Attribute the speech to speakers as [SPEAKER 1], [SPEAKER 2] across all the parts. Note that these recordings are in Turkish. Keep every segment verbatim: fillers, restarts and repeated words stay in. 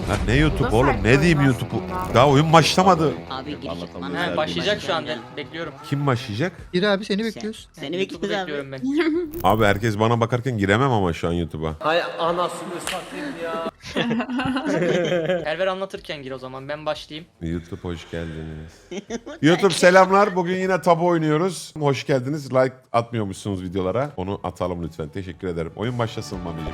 [SPEAKER 1] Lan ne YouTube
[SPEAKER 2] Bu da
[SPEAKER 1] oğlum?
[SPEAKER 2] sert
[SPEAKER 1] Ne diyeyim
[SPEAKER 2] oyun
[SPEAKER 1] YouTube'u?
[SPEAKER 2] aslında.
[SPEAKER 1] Daha oyun başlamadı.
[SPEAKER 3] Abi giriş
[SPEAKER 4] Anlatamıyorum.
[SPEAKER 3] bana
[SPEAKER 4] He,
[SPEAKER 5] Başlayacak şu an ben. Bekliyorum.
[SPEAKER 1] Kim başlayacak?
[SPEAKER 6] Gir abi seni
[SPEAKER 3] Sen-
[SPEAKER 6] bekliyoruz.
[SPEAKER 3] Seni
[SPEAKER 5] YouTube'u
[SPEAKER 3] bekliyoruz abi.
[SPEAKER 5] bekliyorum ben.
[SPEAKER 1] Abi herkes bana bakarken giremem ama şu an YouTube'a.
[SPEAKER 7] Hay anasını satayım ya.
[SPEAKER 5] Perver anlatırken gir o zaman. Ben başlayayım.
[SPEAKER 1] YouTube hoş geldiniz. YouTube selamlar. Bugün yine tabu oynuyoruz. Hoş geldiniz. Like atmıyormuşsunuz videolara. Onu atalım lütfen. Teşekkür ederim. Oyun başlasın Mami'ciğim.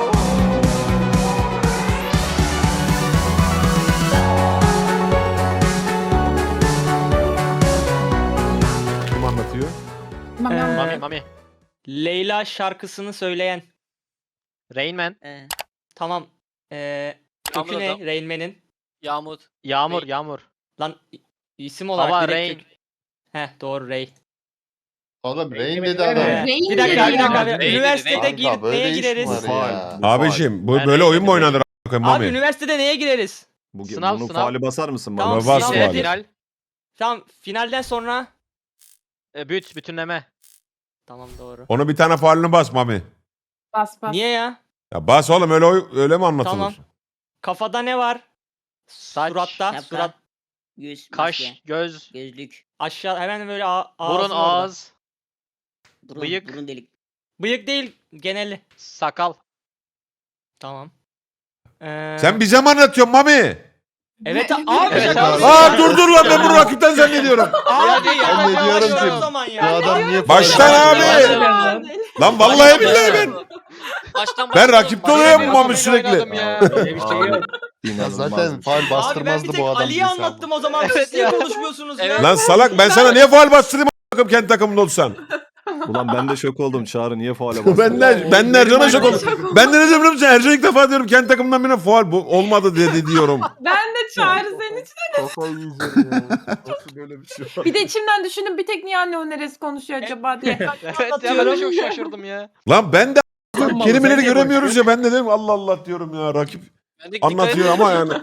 [SPEAKER 1] Kim anlatıyor?
[SPEAKER 5] Ee,
[SPEAKER 4] Mami Mami.
[SPEAKER 5] Leyla şarkısını söyleyen.
[SPEAKER 4] Rain Man.
[SPEAKER 3] Ee,
[SPEAKER 5] Tamam. Ee, kökü
[SPEAKER 4] Yağmur
[SPEAKER 5] ne
[SPEAKER 4] adam.
[SPEAKER 5] Rain Man'in?
[SPEAKER 4] Yağmur. Yağmur
[SPEAKER 5] Ray.
[SPEAKER 4] Yağmur.
[SPEAKER 5] Lan i- isim olarak
[SPEAKER 4] Baba
[SPEAKER 5] direkt
[SPEAKER 4] Rain.
[SPEAKER 5] kök- Heh doğru Ray.
[SPEAKER 8] Oğlum Rain dedi
[SPEAKER 5] Ee,
[SPEAKER 8] adam.
[SPEAKER 2] Rain
[SPEAKER 5] bir dakika
[SPEAKER 2] dedi
[SPEAKER 5] bir dakika.
[SPEAKER 2] ya.
[SPEAKER 5] abi.
[SPEAKER 4] Rain dedi,
[SPEAKER 5] Üniversitede
[SPEAKER 4] Rain.
[SPEAKER 5] gir,
[SPEAKER 8] Kanka, böyle
[SPEAKER 5] neye
[SPEAKER 8] iş
[SPEAKER 5] gireriz?
[SPEAKER 8] var ya.
[SPEAKER 1] Abiciğim bu
[SPEAKER 4] Ben
[SPEAKER 1] böyle
[SPEAKER 4] Rain
[SPEAKER 1] oyun mu
[SPEAKER 4] dedim.
[SPEAKER 1] oynanır a**ım
[SPEAKER 5] Abi
[SPEAKER 1] Mami?
[SPEAKER 5] üniversitede neye gireriz?
[SPEAKER 9] Bu,
[SPEAKER 4] Sınav,
[SPEAKER 9] bunu
[SPEAKER 4] sınav.
[SPEAKER 9] faali basar mısın bana?
[SPEAKER 5] Tamam,
[SPEAKER 1] Bas
[SPEAKER 5] final.
[SPEAKER 1] faali.
[SPEAKER 4] Final.
[SPEAKER 5] Tamam finalden sonra.
[SPEAKER 4] E, büt, bütünleme.
[SPEAKER 5] Tamam doğru.
[SPEAKER 1] Onu bir tane faalini bas Mami.
[SPEAKER 2] Bas bas.
[SPEAKER 5] Niye ya?
[SPEAKER 1] Ya bas oğlum öyle oy- öyle mi anlatılır?
[SPEAKER 5] Tamam. Kafada ne var?
[SPEAKER 4] Saç,
[SPEAKER 5] Suratta,
[SPEAKER 3] şapka,
[SPEAKER 5] surat,
[SPEAKER 3] Göz,
[SPEAKER 4] kaş,
[SPEAKER 3] maske,
[SPEAKER 4] göz,
[SPEAKER 3] gözlük,
[SPEAKER 5] aşağı hemen böyle a- ağzın
[SPEAKER 4] burun,
[SPEAKER 5] orada.
[SPEAKER 4] ağız,
[SPEAKER 3] burun,
[SPEAKER 4] Bıyık.
[SPEAKER 3] burun delik.
[SPEAKER 5] Bıyık değil geneli.
[SPEAKER 4] sakal.
[SPEAKER 5] Tamam. Ee,
[SPEAKER 1] Sen bize mi anlatıyorsun Mami?
[SPEAKER 5] Evet abi.
[SPEAKER 4] Evet
[SPEAKER 5] şaka
[SPEAKER 4] abi.
[SPEAKER 5] yapıyorum.
[SPEAKER 1] Aa dur dur lan ben bunu rakipten zannediyorum.
[SPEAKER 5] Abi
[SPEAKER 4] Ya,
[SPEAKER 5] ya,
[SPEAKER 8] ben de
[SPEAKER 5] ya,
[SPEAKER 8] diyorum
[SPEAKER 5] ya,
[SPEAKER 8] ki,
[SPEAKER 5] o zaman
[SPEAKER 8] Bu
[SPEAKER 5] ya.
[SPEAKER 8] adam niye
[SPEAKER 1] Baştan abi. Lan vallahi billahi ben.
[SPEAKER 4] Baştan
[SPEAKER 1] Ben
[SPEAKER 4] başlayalım.
[SPEAKER 1] rakipte oluyorum
[SPEAKER 4] Baştan
[SPEAKER 1] Mami
[SPEAKER 4] başlayalım
[SPEAKER 1] sürekli.
[SPEAKER 4] oynadım ya.
[SPEAKER 7] Öyle bir şey yok.
[SPEAKER 8] Ya
[SPEAKER 9] İnanılmaz.
[SPEAKER 8] zaten faal
[SPEAKER 5] Abi ben
[SPEAKER 8] bastırmazdı
[SPEAKER 5] bir tek
[SPEAKER 8] bu adam.
[SPEAKER 5] Ali'ye
[SPEAKER 8] bizi
[SPEAKER 5] anlattım
[SPEAKER 8] ama.
[SPEAKER 5] o zaman.
[SPEAKER 4] Evet
[SPEAKER 5] Siz niye
[SPEAKER 4] ya.
[SPEAKER 5] konuşmuyorsunuz ya?
[SPEAKER 4] Evet.
[SPEAKER 1] Lan salak ben sana niye faal bastırayım a**ım kendi takımında olsan?
[SPEAKER 9] Ulan ben de şok oldum. Çağrı niye faale bastı?
[SPEAKER 1] ben de ben de Ercan'a şok oldum. Ben de ne diyorum biliyor musun? Ercan ilk defa diyorum kendi takımından birine faal bu olmadı dedi diyorum.
[SPEAKER 2] Ben de Çağrı senin için.
[SPEAKER 8] Kafayı yiyeceğim ya. Nasıl böyle bir şey var?
[SPEAKER 2] Bir de içimden düşündüm bir tek niye anne o neresi konuşuyor acaba diye.
[SPEAKER 4] Evet ya ben de çok şaşırdım ya.
[SPEAKER 1] Lan ben de
[SPEAKER 7] Tamam,
[SPEAKER 1] kelimeleri
[SPEAKER 7] sen de
[SPEAKER 1] göremiyoruz ya ben de dedim Allah Allah diyorum ya rakip
[SPEAKER 4] Ben de dikkat
[SPEAKER 1] anlatıyor
[SPEAKER 4] etmedim.
[SPEAKER 1] ama yani.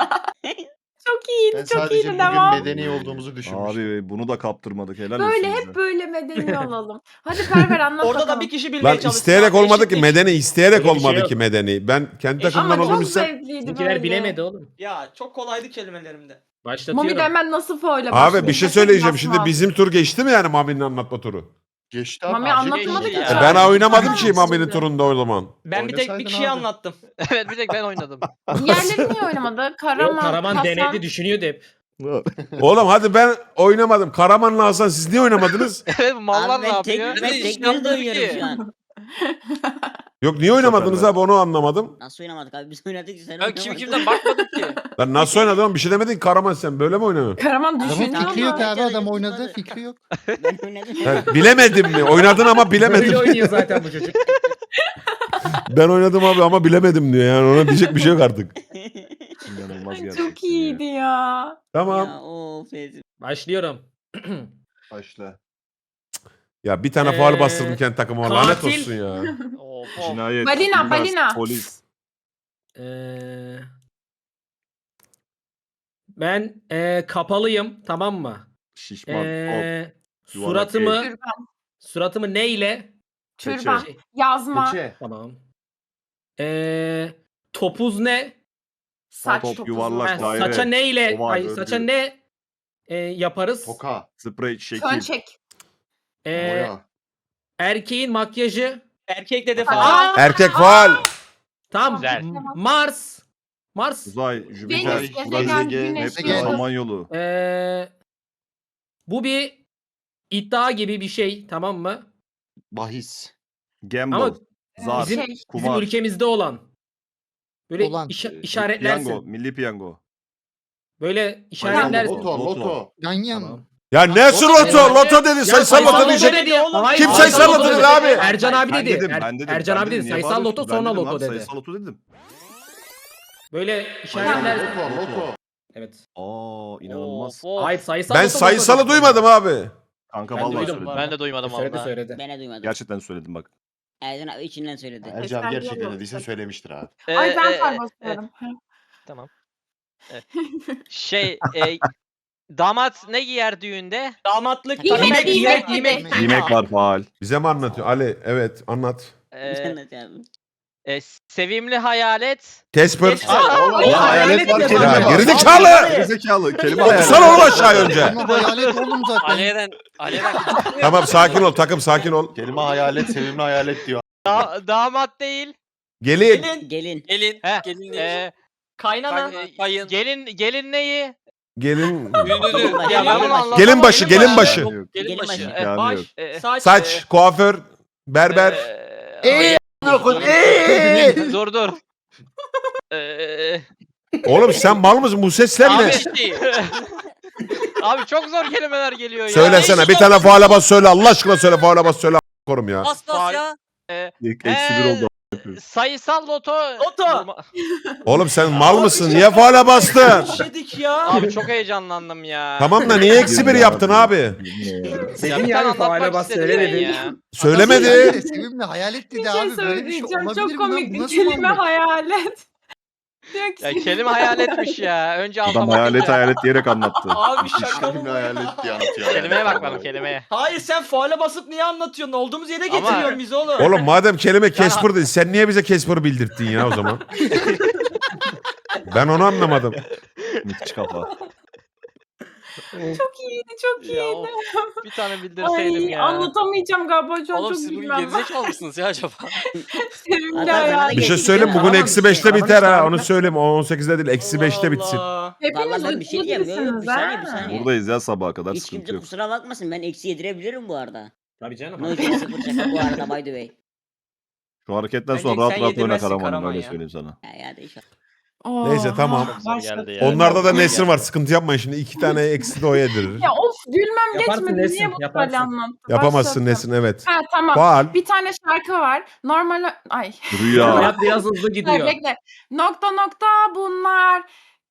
[SPEAKER 2] Çok iyiydi
[SPEAKER 8] Ben
[SPEAKER 2] çok
[SPEAKER 8] sadece
[SPEAKER 2] iyiydi
[SPEAKER 8] bugün
[SPEAKER 2] devam.
[SPEAKER 8] medeni olduğumuzu düşünmüştüm.
[SPEAKER 9] Abi bunu da kaptırmadık. Helal
[SPEAKER 2] Böyle
[SPEAKER 9] olsun
[SPEAKER 2] hep
[SPEAKER 9] bize.
[SPEAKER 2] böyle medeni olalım. Hadi Perver anlat
[SPEAKER 5] Orada da
[SPEAKER 2] bakalım.
[SPEAKER 5] bir kişi bilmeye
[SPEAKER 1] Lan
[SPEAKER 5] çalışsın.
[SPEAKER 1] isteyerek
[SPEAKER 5] abi,
[SPEAKER 1] olmadı ki
[SPEAKER 5] eşitlik.
[SPEAKER 1] medeni isteyerek
[SPEAKER 7] Öyle bir şey
[SPEAKER 1] olmadı
[SPEAKER 7] yok.
[SPEAKER 1] ki medeni. Ben kendi takımdan
[SPEAKER 2] Ama
[SPEAKER 1] olduğum
[SPEAKER 2] çok
[SPEAKER 1] için
[SPEAKER 2] zevkliydi
[SPEAKER 7] Bizimkiler
[SPEAKER 2] böyle.
[SPEAKER 7] bilemedi oğlum.
[SPEAKER 5] Ya çok kolaydı kelimelerimde.
[SPEAKER 2] Mami de
[SPEAKER 7] Başlatıyorum.
[SPEAKER 2] hemen nasıl foyla
[SPEAKER 1] Abi bir şey söyleyeceğim. Şimdi
[SPEAKER 2] bizim
[SPEAKER 1] bizim tur geçti mi yani Mami'nin anlatma turu?
[SPEAKER 8] Geçti abi.
[SPEAKER 2] Mami
[SPEAKER 8] acil
[SPEAKER 2] anlatmadı
[SPEAKER 8] geçti
[SPEAKER 2] ki.
[SPEAKER 8] ya.
[SPEAKER 1] E
[SPEAKER 4] Ya.
[SPEAKER 1] ben oynamadım
[SPEAKER 2] Tamam,
[SPEAKER 1] ki Mami'nin
[SPEAKER 2] şimdi.
[SPEAKER 1] turunda o zaman.
[SPEAKER 5] Ben bir tek bir
[SPEAKER 8] Oynasaydın
[SPEAKER 5] kişiye
[SPEAKER 8] abi.
[SPEAKER 5] anlattım.
[SPEAKER 4] Evet bir tek ben oynadım.
[SPEAKER 2] Diğerleri niye oynamadı? Karaman,
[SPEAKER 7] Yok, Karaman
[SPEAKER 2] Hasan.
[SPEAKER 7] denedi düşünüyordu hep.
[SPEAKER 1] Oğlum hadi ben oynamadım. Karaman'la Hasan siz niye oynamadınız?
[SPEAKER 4] Evet bu mallar
[SPEAKER 3] Abi
[SPEAKER 4] ne
[SPEAKER 3] ben tek,
[SPEAKER 4] yapıyor?
[SPEAKER 3] ben
[SPEAKER 4] Hiç
[SPEAKER 3] tek gözle
[SPEAKER 4] inanmıyorum
[SPEAKER 3] oynuyorum
[SPEAKER 4] ki.
[SPEAKER 3] şu an.
[SPEAKER 1] Yok niye oynamadınız
[SPEAKER 9] sefer
[SPEAKER 1] abi onu anlamadım.
[SPEAKER 3] Nasıl oynamadık abi biz oynadık sen
[SPEAKER 4] Ben kim
[SPEAKER 3] oynamadın.
[SPEAKER 4] kimden bakmadık ki.
[SPEAKER 1] Lan nasıl oynadın bir şey demedin ki Karaman sen böyle mi oynadın?
[SPEAKER 2] Karaman
[SPEAKER 3] Adamın
[SPEAKER 2] düşünüyor
[SPEAKER 8] Adamın fikri yok
[SPEAKER 2] ama.
[SPEAKER 8] abi adam oynadı fikri yok.
[SPEAKER 3] Ben oynadım.
[SPEAKER 1] He, bilemedim mi? Oynadın ama
[SPEAKER 7] Böyle
[SPEAKER 1] bilemedim.
[SPEAKER 7] oynuyor zaten bu çocuk.
[SPEAKER 1] Ben oynadım abi ama bilemedim diyor yani ona diyecek bir şey yok artık.
[SPEAKER 9] İnanılmaz gerçekten.
[SPEAKER 2] Çok iyiydi ya.
[SPEAKER 1] Tamam.
[SPEAKER 3] Ya of Ezgi.
[SPEAKER 7] Başlıyorum.
[SPEAKER 8] Başla.
[SPEAKER 1] Ya bir tane faal
[SPEAKER 7] Ee,
[SPEAKER 1] bastırdım kendi takıma lanet
[SPEAKER 7] katil-
[SPEAKER 1] olsun ya.
[SPEAKER 4] Of of.
[SPEAKER 9] Cinayet.
[SPEAKER 2] Balina,
[SPEAKER 9] suikast,
[SPEAKER 2] balina.
[SPEAKER 9] Polis.
[SPEAKER 7] Ee, ben ee, kapalıyım tamam mı?
[SPEAKER 9] Şişman. Hop.
[SPEAKER 7] Ee,
[SPEAKER 9] yuvarlak
[SPEAKER 7] suratımı
[SPEAKER 2] Türban.
[SPEAKER 7] suratımı ne ile?
[SPEAKER 2] Türban.
[SPEAKER 7] Şey,
[SPEAKER 2] Yazma.
[SPEAKER 8] Keçe.
[SPEAKER 7] tamam. Ee, topuz ne?
[SPEAKER 2] Saç
[SPEAKER 9] Top,
[SPEAKER 2] topuzu.
[SPEAKER 9] yuvarlak,
[SPEAKER 7] Ha,
[SPEAKER 9] daire,
[SPEAKER 7] saça ne ile?
[SPEAKER 9] oval,
[SPEAKER 7] Ay,
[SPEAKER 9] örgü.
[SPEAKER 7] saça ne ee, yaparız?
[SPEAKER 8] Toka.
[SPEAKER 9] Sprey, şekil.
[SPEAKER 2] Fön çek.
[SPEAKER 7] Ee,
[SPEAKER 8] Boya.
[SPEAKER 7] erkeğin makyajı.
[SPEAKER 5] Erkek de
[SPEAKER 2] Aa!
[SPEAKER 5] defa.
[SPEAKER 1] Erkek faal.
[SPEAKER 7] Tamam.
[SPEAKER 4] Güzel.
[SPEAKER 7] Mars. Mars.
[SPEAKER 9] Uzay, Jüpiter,
[SPEAKER 2] Venüs, gezegen,
[SPEAKER 9] Uranüs,
[SPEAKER 2] Güneş,
[SPEAKER 9] Neptün,
[SPEAKER 8] Yıldız.
[SPEAKER 9] Samanyolu.
[SPEAKER 7] Ee, bu bir iddia gibi bir şey tamam mı?
[SPEAKER 8] Bahis.
[SPEAKER 9] Gamble.
[SPEAKER 7] Ama
[SPEAKER 9] Zar.
[SPEAKER 7] bizim,
[SPEAKER 2] şey,
[SPEAKER 7] bizim
[SPEAKER 9] kumar.
[SPEAKER 7] ülkemizde olan. Böyle
[SPEAKER 6] Olan.
[SPEAKER 7] işa-
[SPEAKER 9] e,
[SPEAKER 7] işaretlersin.
[SPEAKER 9] Piyango, milli piyango.
[SPEAKER 7] Böyle işaretlersin.
[SPEAKER 8] Loto loto.
[SPEAKER 6] Ganyan.
[SPEAKER 7] Tamam.
[SPEAKER 1] Ya ne su loto? Loto dedi sayısal
[SPEAKER 7] sayısal
[SPEAKER 1] loto
[SPEAKER 7] loto
[SPEAKER 1] diyecek.
[SPEAKER 7] dedi.
[SPEAKER 5] Hayır,
[SPEAKER 1] Kim
[SPEAKER 7] sayısal
[SPEAKER 1] sayısal
[SPEAKER 7] loto
[SPEAKER 1] loto dedi
[SPEAKER 7] dedi.
[SPEAKER 1] abi?
[SPEAKER 7] Ercan abi
[SPEAKER 9] Ben
[SPEAKER 7] dedi.
[SPEAKER 9] dedim,
[SPEAKER 7] Er-
[SPEAKER 9] ben dedim.
[SPEAKER 7] Ercan
[SPEAKER 9] ben
[SPEAKER 7] abi
[SPEAKER 9] dedim.
[SPEAKER 7] dedi.
[SPEAKER 9] Niye
[SPEAKER 7] Sayısal
[SPEAKER 9] bağırıyorsun?
[SPEAKER 7] loto
[SPEAKER 9] Ben
[SPEAKER 7] sonra
[SPEAKER 9] dedim
[SPEAKER 7] loto
[SPEAKER 9] abi,
[SPEAKER 7] dedi.
[SPEAKER 9] Sayısal loto dedim.
[SPEAKER 7] Böyle işaretlersin.
[SPEAKER 8] Loto loto.
[SPEAKER 7] Evet.
[SPEAKER 9] Aa inanılmaz.
[SPEAKER 4] Of, of.
[SPEAKER 7] Hayır sayısal
[SPEAKER 1] Ben
[SPEAKER 7] loto, loto
[SPEAKER 1] sayısalı
[SPEAKER 7] dedi.
[SPEAKER 1] duymadım abi.
[SPEAKER 9] Kanka
[SPEAKER 7] Ben
[SPEAKER 9] vallahi
[SPEAKER 7] duydum.
[SPEAKER 9] söyledim.
[SPEAKER 4] Ben de duymadım
[SPEAKER 7] Söyledi
[SPEAKER 4] valla.
[SPEAKER 7] söyledi.
[SPEAKER 3] Ben de duymadım.
[SPEAKER 9] Gerçekten söyledim bak.
[SPEAKER 3] Ercan abi içinden söyledi.
[SPEAKER 8] Ercan
[SPEAKER 2] Sen
[SPEAKER 8] gerçekten
[SPEAKER 2] yok.
[SPEAKER 8] dediyse söylemiştir abi.
[SPEAKER 4] Ee,
[SPEAKER 2] Ay ben
[SPEAKER 4] e,
[SPEAKER 2] far
[SPEAKER 4] e,
[SPEAKER 2] basıyorum.
[SPEAKER 4] Tamam. Evet. Şey e, damat ne giyer düğünde?
[SPEAKER 5] Damatlık.
[SPEAKER 2] Giymek,
[SPEAKER 5] Yemek,
[SPEAKER 2] giymek,
[SPEAKER 5] yemek,
[SPEAKER 2] giymek.
[SPEAKER 9] Yemek var faal.
[SPEAKER 1] Bize mi anlatıyor? Ali evet anlat.
[SPEAKER 4] Ee,
[SPEAKER 3] Cennet abi.
[SPEAKER 4] E, sevimli hayalet.
[SPEAKER 1] Casper.
[SPEAKER 7] Geç-
[SPEAKER 9] Aa,
[SPEAKER 7] Ya,
[SPEAKER 9] hayalet var
[SPEAKER 7] ya,
[SPEAKER 9] kelime.
[SPEAKER 1] ya,
[SPEAKER 9] var.
[SPEAKER 1] gerizekalı!
[SPEAKER 9] Gerizekalı. Kelime hayalet.
[SPEAKER 1] Okusana oğlum aşağı önce.
[SPEAKER 8] Ama hayalet oğlum zaten.
[SPEAKER 6] Aleyden, Aleyden.
[SPEAKER 1] Tamam sakin ol takım sakin ol.
[SPEAKER 8] Kelime hayalet, sevimli hayalet diyor.
[SPEAKER 4] Da- damat değil.
[SPEAKER 1] Gelin.
[SPEAKER 7] Gelin.
[SPEAKER 3] Gelin.
[SPEAKER 6] Gelin,
[SPEAKER 4] He,
[SPEAKER 6] gelin
[SPEAKER 4] E,
[SPEAKER 7] Kaynana.
[SPEAKER 6] Kay- kayın.
[SPEAKER 4] gelin gelin neyi?
[SPEAKER 1] Gelin.
[SPEAKER 6] Ünlü.
[SPEAKER 3] Gelin
[SPEAKER 4] Ya ben bunu
[SPEAKER 3] başı.
[SPEAKER 4] anlamadım.
[SPEAKER 1] Gelin başı, gelin başı.
[SPEAKER 6] Gelin
[SPEAKER 3] Gelin
[SPEAKER 6] başı.
[SPEAKER 3] başı.
[SPEAKER 4] E,
[SPEAKER 9] Yani
[SPEAKER 7] Baş.
[SPEAKER 9] yok.
[SPEAKER 4] e,
[SPEAKER 7] Saç.
[SPEAKER 1] Saç, kuaför, berber.
[SPEAKER 4] e,
[SPEAKER 1] Eee!
[SPEAKER 4] dur dur. Eee,
[SPEAKER 1] Oğlum sen mal mısın? Bu sesler
[SPEAKER 4] abi,
[SPEAKER 1] ne?
[SPEAKER 4] abi çok zor kelimeler geliyor ya.
[SPEAKER 1] Söylesene bir tane faale bas söyle Allah aşkına söyle faale bas söyle korum ya.
[SPEAKER 6] Bas bas ya.
[SPEAKER 9] İlk eksi bir oldu.
[SPEAKER 4] Sayısal loto.
[SPEAKER 7] Loto.
[SPEAKER 4] Durma-
[SPEAKER 1] Oğlum sen mal mısın? Niye faale bastın?
[SPEAKER 7] Dedik ya.
[SPEAKER 4] Abi çok heyecanlandım ya.
[SPEAKER 1] Tamam da niye eksi bir yaptın abi?
[SPEAKER 4] Ya
[SPEAKER 7] Senin
[SPEAKER 4] bir
[SPEAKER 7] yani
[SPEAKER 4] tane
[SPEAKER 7] faale
[SPEAKER 4] anlatmak
[SPEAKER 7] bas
[SPEAKER 4] istedim
[SPEAKER 7] söyle
[SPEAKER 4] ben
[SPEAKER 7] dedin.
[SPEAKER 4] ya.
[SPEAKER 1] Söylemedi.
[SPEAKER 8] Sevimli hayalet dedi
[SPEAKER 2] Bir şey
[SPEAKER 8] abi. Böyle bir şey
[SPEAKER 2] söyleyeceğim.
[SPEAKER 8] olabilir
[SPEAKER 2] Çok
[SPEAKER 8] mi lan?
[SPEAKER 2] komik
[SPEAKER 8] Bu
[SPEAKER 2] bir
[SPEAKER 8] nasıl
[SPEAKER 2] kelime
[SPEAKER 8] mantık?
[SPEAKER 2] hayalet. Diyor ki,
[SPEAKER 4] Ya kelime hayaletmiş ya. Önce
[SPEAKER 9] Adam
[SPEAKER 4] anlamadım.
[SPEAKER 9] hayalet hayalet diyerek anlattı.
[SPEAKER 5] Abi şaka mı?
[SPEAKER 8] Sevimli
[SPEAKER 5] bu
[SPEAKER 8] hayalet
[SPEAKER 5] ya?
[SPEAKER 8] diye anlatıyor.
[SPEAKER 4] Kelimeye bakmadım kelimeye.
[SPEAKER 5] Hayır sen faale basıp niye anlatıyorsun? Olduğumuz yere
[SPEAKER 4] Ama-
[SPEAKER 5] getiriyorsun bizi oğlum.
[SPEAKER 1] Oğlum madem kelime Casper değil sen niye bize Casper'ı bildirttin ya o zaman? Ben onu anlamadım.
[SPEAKER 9] Müthiş kafa.
[SPEAKER 2] çok iyiydi çok
[SPEAKER 4] Ya
[SPEAKER 2] iyiydi.
[SPEAKER 4] of, bir tane bildirseydim
[SPEAKER 2] Ay,
[SPEAKER 4] ya.
[SPEAKER 2] anlatamayacağım galiba şu an
[SPEAKER 6] Oğlum
[SPEAKER 2] çok
[SPEAKER 6] siz bugün
[SPEAKER 2] bilmem.
[SPEAKER 6] gerizekalı mısınız ya acaba?
[SPEAKER 2] Sevimli
[SPEAKER 3] Hatta sana da
[SPEAKER 2] hayalet.
[SPEAKER 1] Bir şey
[SPEAKER 3] Geçtik
[SPEAKER 1] söyleyeyim
[SPEAKER 3] ya.
[SPEAKER 1] bugün
[SPEAKER 3] Tamam
[SPEAKER 1] eksi
[SPEAKER 3] işte.
[SPEAKER 1] beşte
[SPEAKER 7] Tamam
[SPEAKER 1] biter
[SPEAKER 7] işte
[SPEAKER 1] ha
[SPEAKER 7] abi.
[SPEAKER 1] onu söyleyeyim on sekizde değil eksi beşte bitsin.
[SPEAKER 5] Allah.
[SPEAKER 2] Hepiniz
[SPEAKER 3] Vallahi ben bir şey
[SPEAKER 2] uykusuz
[SPEAKER 3] diyeyim. Yok, yok, bir
[SPEAKER 2] gibisiniz
[SPEAKER 3] saniye,
[SPEAKER 2] ha.
[SPEAKER 3] bir saniye.
[SPEAKER 9] Buradayız ya sabaha kadar
[SPEAKER 3] Hiç
[SPEAKER 9] sıkıntı
[SPEAKER 3] kimse
[SPEAKER 9] yok.
[SPEAKER 3] kusura bakmasın. Ben eksi yedirebilirim bu arada.
[SPEAKER 7] Tabii canım.
[SPEAKER 3] No joke sıfır şaka bu arada by the way.
[SPEAKER 9] Şu hareketten
[SPEAKER 5] Bence
[SPEAKER 9] sonra rahat
[SPEAKER 5] sen
[SPEAKER 9] rahat oyna
[SPEAKER 5] yedirmezsin
[SPEAKER 9] Karaman'ım
[SPEAKER 5] Karaman
[SPEAKER 9] öyle
[SPEAKER 5] ya.
[SPEAKER 9] söyleyeyim sana.
[SPEAKER 3] Ya ya değişik.
[SPEAKER 1] Neyse, tamam.
[SPEAKER 4] Çok zor
[SPEAKER 2] Başladı.
[SPEAKER 4] geldi ya.
[SPEAKER 1] Onlarda da Nesrin var sıkıntı yapmayın şimdi iki tane eksi de o yedirir.
[SPEAKER 2] Ya of gülmem
[SPEAKER 7] Yaparsın
[SPEAKER 2] geçmedi.
[SPEAKER 7] Nesin,
[SPEAKER 2] Niye bu
[SPEAKER 7] yaparsın.
[SPEAKER 2] böyle anlattı?
[SPEAKER 1] Yapamazsın
[SPEAKER 2] Başlattım.
[SPEAKER 1] Nesrin evet.
[SPEAKER 2] Ha tamam.
[SPEAKER 1] Faal.
[SPEAKER 2] Bir tane şarkı var. Normal... Ay.
[SPEAKER 9] Rüya.
[SPEAKER 7] Hayat biraz hızlı
[SPEAKER 2] Hayır,
[SPEAKER 7] gidiyor.
[SPEAKER 2] bekle. Nokta nokta bunlar.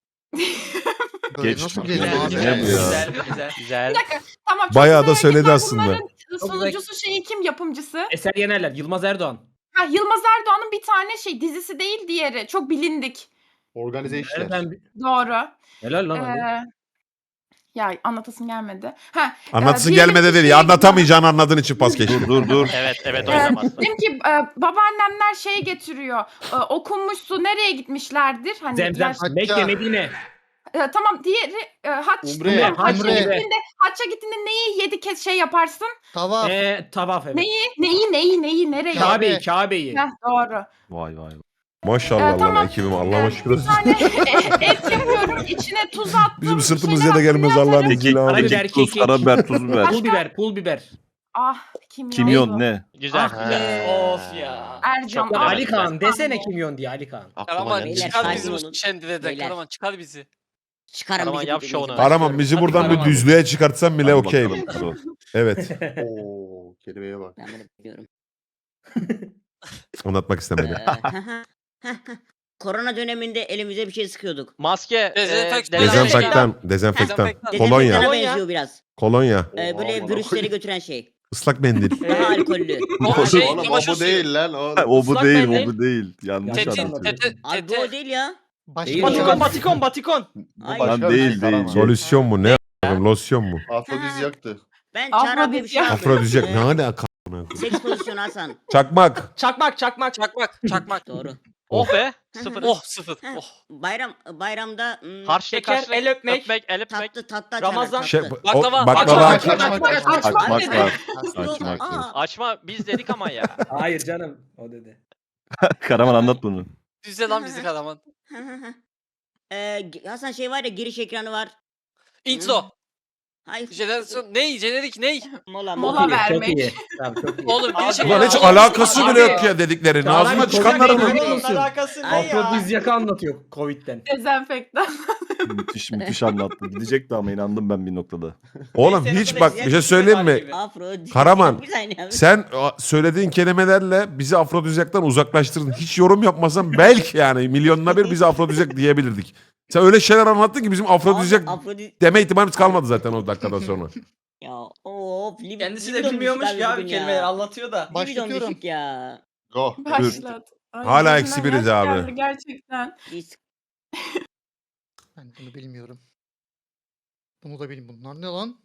[SPEAKER 8] Böyle
[SPEAKER 9] Geç
[SPEAKER 8] nasıl
[SPEAKER 9] bak
[SPEAKER 8] geliyor
[SPEAKER 9] ya.
[SPEAKER 8] abi?
[SPEAKER 9] Ne bu ya?
[SPEAKER 5] Güzel güzel.
[SPEAKER 4] Güzel.
[SPEAKER 2] Bir dakika. Tamam. çok
[SPEAKER 1] Bayağı
[SPEAKER 2] güzel
[SPEAKER 1] da söyledi
[SPEAKER 2] hareketler.
[SPEAKER 1] aslında.
[SPEAKER 2] Bunların
[SPEAKER 7] Çok
[SPEAKER 2] sunucusu şeyi kim yapımcısı?
[SPEAKER 7] Eser Yenerler, Yılmaz Erdoğan.
[SPEAKER 2] Ha Yılmaz Erdoğan'ın bir tane şey dizisi değil diğeri. Çok bilindik.
[SPEAKER 8] Organize işler.
[SPEAKER 7] Nereden bi-
[SPEAKER 2] Doğru.
[SPEAKER 7] Helal lan Ali.
[SPEAKER 2] Ee, ya anlatasım gelmedi. Ha,
[SPEAKER 1] Anlatsın
[SPEAKER 2] Ee, diyelim
[SPEAKER 1] gelmedi
[SPEAKER 2] ki
[SPEAKER 1] değil.
[SPEAKER 2] şey-
[SPEAKER 1] Anlatamayacağını anladığın için pas geçtim.
[SPEAKER 9] Dur dur dur.
[SPEAKER 4] Evet evet o
[SPEAKER 2] e,
[SPEAKER 4] yüzden bastım.
[SPEAKER 2] diyelim ki e, babaannemler şey getiriyor. E, okunmuş su nereye gitmişlerdir? Hani
[SPEAKER 7] Zemzem,
[SPEAKER 2] yaş-
[SPEAKER 7] Mekke, Medine.
[SPEAKER 2] E, tamam diğeri e, haç.
[SPEAKER 8] Umre,
[SPEAKER 2] Tamam, haçça
[SPEAKER 8] umre.
[SPEAKER 2] gittiğinde, haçça gittiğinde neyi yedi kez şey yaparsın?
[SPEAKER 8] Tavaf.
[SPEAKER 7] Ee, tavaf evet.
[SPEAKER 2] Neyi, neyi, neyi, neyi, nereye?
[SPEAKER 8] Kabe.
[SPEAKER 7] Kabe'yi, Kabe'yi.
[SPEAKER 2] Heh, doğru.
[SPEAKER 9] Vay vay.
[SPEAKER 1] Maşallah
[SPEAKER 2] Ee,
[SPEAKER 1] Allah
[SPEAKER 2] tamam.
[SPEAKER 1] ekibim Allah'a
[SPEAKER 2] Ee,
[SPEAKER 1] şükür.
[SPEAKER 2] Bir tane e, et yapıyorum. İçine tuz attım.
[SPEAKER 1] Bizim
[SPEAKER 2] bir
[SPEAKER 1] sırtımız
[SPEAKER 2] şeyler
[SPEAKER 1] yere gelmez
[SPEAKER 2] attım,
[SPEAKER 1] Allah'ın
[SPEAKER 2] yazarım.
[SPEAKER 1] izniyle abi.
[SPEAKER 7] Karabiber,
[SPEAKER 9] Kekik, tuz,
[SPEAKER 7] kekik.
[SPEAKER 9] karabiber, tuz biber.
[SPEAKER 7] Pul biber, pul biber.
[SPEAKER 2] Ah kimyon.
[SPEAKER 9] Kimyon ne?
[SPEAKER 4] Güzel.
[SPEAKER 7] Ah
[SPEAKER 4] güzel.
[SPEAKER 5] Of ya.
[SPEAKER 2] Ercan.
[SPEAKER 4] Çok
[SPEAKER 2] ah,
[SPEAKER 7] Ali Kaan
[SPEAKER 2] ah,
[SPEAKER 7] desene
[SPEAKER 2] ah.
[SPEAKER 7] kimyon diye Ali Kaan.
[SPEAKER 8] Aklıma
[SPEAKER 6] Karaman
[SPEAKER 8] geldi.
[SPEAKER 3] Beyler,
[SPEAKER 6] çıkar
[SPEAKER 3] sakin
[SPEAKER 6] bizi bu
[SPEAKER 3] olun.
[SPEAKER 6] şendileden.
[SPEAKER 3] Beyler.
[SPEAKER 6] Karaman çıkar bizi.
[SPEAKER 3] Çıkarın
[SPEAKER 4] Karaman
[SPEAKER 3] bizi
[SPEAKER 4] yap
[SPEAKER 3] bu
[SPEAKER 4] şovunu.
[SPEAKER 3] denizden.
[SPEAKER 1] Karaman bizi
[SPEAKER 7] Hadi
[SPEAKER 1] buradan bir
[SPEAKER 7] Karaman.
[SPEAKER 1] düzlüğe çıkartsan bile
[SPEAKER 9] Hadi
[SPEAKER 1] okey.
[SPEAKER 9] bakalım, Karo.
[SPEAKER 1] Evet.
[SPEAKER 8] Oo, kelimeye bak.
[SPEAKER 3] Ben bunu biliyorum.
[SPEAKER 1] Anlatmak istemedi.
[SPEAKER 3] Ee, Korona döneminde elimize bir şey sıkıyorduk.
[SPEAKER 4] Maske.
[SPEAKER 6] Dezenfektan.
[SPEAKER 4] e,
[SPEAKER 1] Dezenfektan, dezenfektan.
[SPEAKER 6] Dezenfektan.
[SPEAKER 1] Kolonya.
[SPEAKER 3] Dezenfektana
[SPEAKER 5] Kolonya.
[SPEAKER 3] benziyor biraz.
[SPEAKER 1] Kolonya.
[SPEAKER 3] Ee,
[SPEAKER 8] Oha,
[SPEAKER 3] böyle
[SPEAKER 8] amına
[SPEAKER 3] virüsleri
[SPEAKER 8] koyayım.
[SPEAKER 3] götüren şey.
[SPEAKER 1] Islak mendil.
[SPEAKER 3] Daha alkollü.
[SPEAKER 6] O şey
[SPEAKER 8] Oğlum o
[SPEAKER 6] çamaşır
[SPEAKER 8] bu
[SPEAKER 6] suyu.
[SPEAKER 8] değil lan. O.
[SPEAKER 9] Ha, O bu
[SPEAKER 7] Islak
[SPEAKER 9] değil,
[SPEAKER 7] mendil.
[SPEAKER 9] o bu değil. Yanlış
[SPEAKER 6] Tetin,
[SPEAKER 9] anlatıyor.
[SPEAKER 6] tete,
[SPEAKER 3] Abi bu
[SPEAKER 6] tete.
[SPEAKER 3] o değil ya.
[SPEAKER 8] Başka
[SPEAKER 7] Değil
[SPEAKER 8] bir şey
[SPEAKER 7] ya.
[SPEAKER 5] Batikon
[SPEAKER 8] var.
[SPEAKER 5] batikon batikon.
[SPEAKER 8] Bu
[SPEAKER 3] Ay.
[SPEAKER 8] başka
[SPEAKER 9] Lan
[SPEAKER 8] bir
[SPEAKER 9] değil,
[SPEAKER 8] şey,
[SPEAKER 9] değil.
[SPEAKER 8] Karaman.
[SPEAKER 1] Solüsyon mu? Ne a**ım? Losyon mu?
[SPEAKER 8] Afrodizyaktı.
[SPEAKER 3] Ben çarap diye bir şey aldım.
[SPEAKER 1] Afrodizyak.
[SPEAKER 3] Ee,
[SPEAKER 1] Ne alaka?
[SPEAKER 3] Seks pozisyonu Hasan.
[SPEAKER 1] Çakmak.
[SPEAKER 5] Çakmak çakmak.
[SPEAKER 6] Çakmak, çakmak.
[SPEAKER 3] Doğru.
[SPEAKER 4] Oh be. Sıfır.
[SPEAKER 6] Oh sıfır.
[SPEAKER 3] Heh.
[SPEAKER 6] Oh.
[SPEAKER 3] Bayram bayramda hmm,
[SPEAKER 4] Harçlık,
[SPEAKER 5] Şeker,
[SPEAKER 4] harçlık,
[SPEAKER 5] el öpmek.
[SPEAKER 4] öpmek, el öpmek.
[SPEAKER 3] tatlı tatlı
[SPEAKER 5] Ramazan-
[SPEAKER 3] açarlar,
[SPEAKER 1] Şey,
[SPEAKER 3] tatlı.
[SPEAKER 1] o,
[SPEAKER 6] Baklava,
[SPEAKER 1] baklava.
[SPEAKER 8] Açmak, açmak,
[SPEAKER 2] Açmak,
[SPEAKER 8] açmak.
[SPEAKER 2] açmak
[SPEAKER 9] Açmak
[SPEAKER 2] dedi.
[SPEAKER 9] var.
[SPEAKER 3] Yok,
[SPEAKER 9] Açmak
[SPEAKER 3] aa.
[SPEAKER 9] var.
[SPEAKER 4] Açma biz dedik ama ya.
[SPEAKER 7] Hayır canım o dedi.
[SPEAKER 9] Karaman anlat bunu.
[SPEAKER 6] Düzle lan bizi Karaman.
[SPEAKER 3] Ee, Hasan şey var ya giriş ekranı var.
[SPEAKER 6] Intro.
[SPEAKER 3] Hayır.
[SPEAKER 6] Jenerasyon. Ney? Jenerik ney?
[SPEAKER 3] Mola
[SPEAKER 2] Mola
[SPEAKER 7] Çok iyi,
[SPEAKER 2] vermek.
[SPEAKER 7] Çok iyi. Tamam, çok iyi.
[SPEAKER 6] Oğlum bir şey
[SPEAKER 1] Ulan hiç
[SPEAKER 5] Abi,
[SPEAKER 1] alakası bile
[SPEAKER 7] abi.
[SPEAKER 1] yok ya dediklerin.
[SPEAKER 7] Çağrı
[SPEAKER 1] Ağzına
[SPEAKER 7] abi,
[SPEAKER 1] çıkanları
[SPEAKER 7] Covid
[SPEAKER 1] mı?
[SPEAKER 7] değil.
[SPEAKER 5] Bunun alakası ne ya?
[SPEAKER 7] Afrodizyak'ı anlatıyor Covid'den.
[SPEAKER 2] Dezenfektan.
[SPEAKER 9] Müthiş müthiş anlattı. Gidecekti ama inandım ben bir noktada.
[SPEAKER 1] Oğlum
[SPEAKER 5] Neyse,
[SPEAKER 1] hiç
[SPEAKER 5] bu
[SPEAKER 1] bak
[SPEAKER 5] da
[SPEAKER 1] bir şey söyleyeyim mi?
[SPEAKER 5] gibi.
[SPEAKER 3] Afro.
[SPEAKER 1] Karaman,
[SPEAKER 3] Bir saniye abi.
[SPEAKER 1] Sen a, söylediğin kelimelerle bizi afrodizyaktan uzaklaştırdın. Hiç yorum yapmasan belki yani milyonuna bir bizi afrodizyak diyebilirdik. Sen öyle şeyler anlattın ki bizim afrodizyak
[SPEAKER 3] Abi, Afrodit.
[SPEAKER 1] deme ihtimalimiz kalmadı zaten o dakikadan sonra.
[SPEAKER 3] Ya of. Lib-
[SPEAKER 5] Kendisi de
[SPEAKER 3] libido
[SPEAKER 5] bilmiyormuş
[SPEAKER 3] düşük abi
[SPEAKER 5] ya
[SPEAKER 3] bugün
[SPEAKER 5] bir kelimeleri anlatıyor da.
[SPEAKER 3] Libidom
[SPEAKER 8] Başlatıyorum.
[SPEAKER 3] düşük ya.
[SPEAKER 8] Go.
[SPEAKER 2] Başlat. Ay,
[SPEAKER 1] Hala
[SPEAKER 2] gözümden
[SPEAKER 1] eksi biriz
[SPEAKER 2] yaş
[SPEAKER 1] abi.
[SPEAKER 2] geldi Gerçekten.
[SPEAKER 3] Biz
[SPEAKER 8] Ben bunu bilmiyorum. Bunu da bilmiyorum. Bunlar ne lan?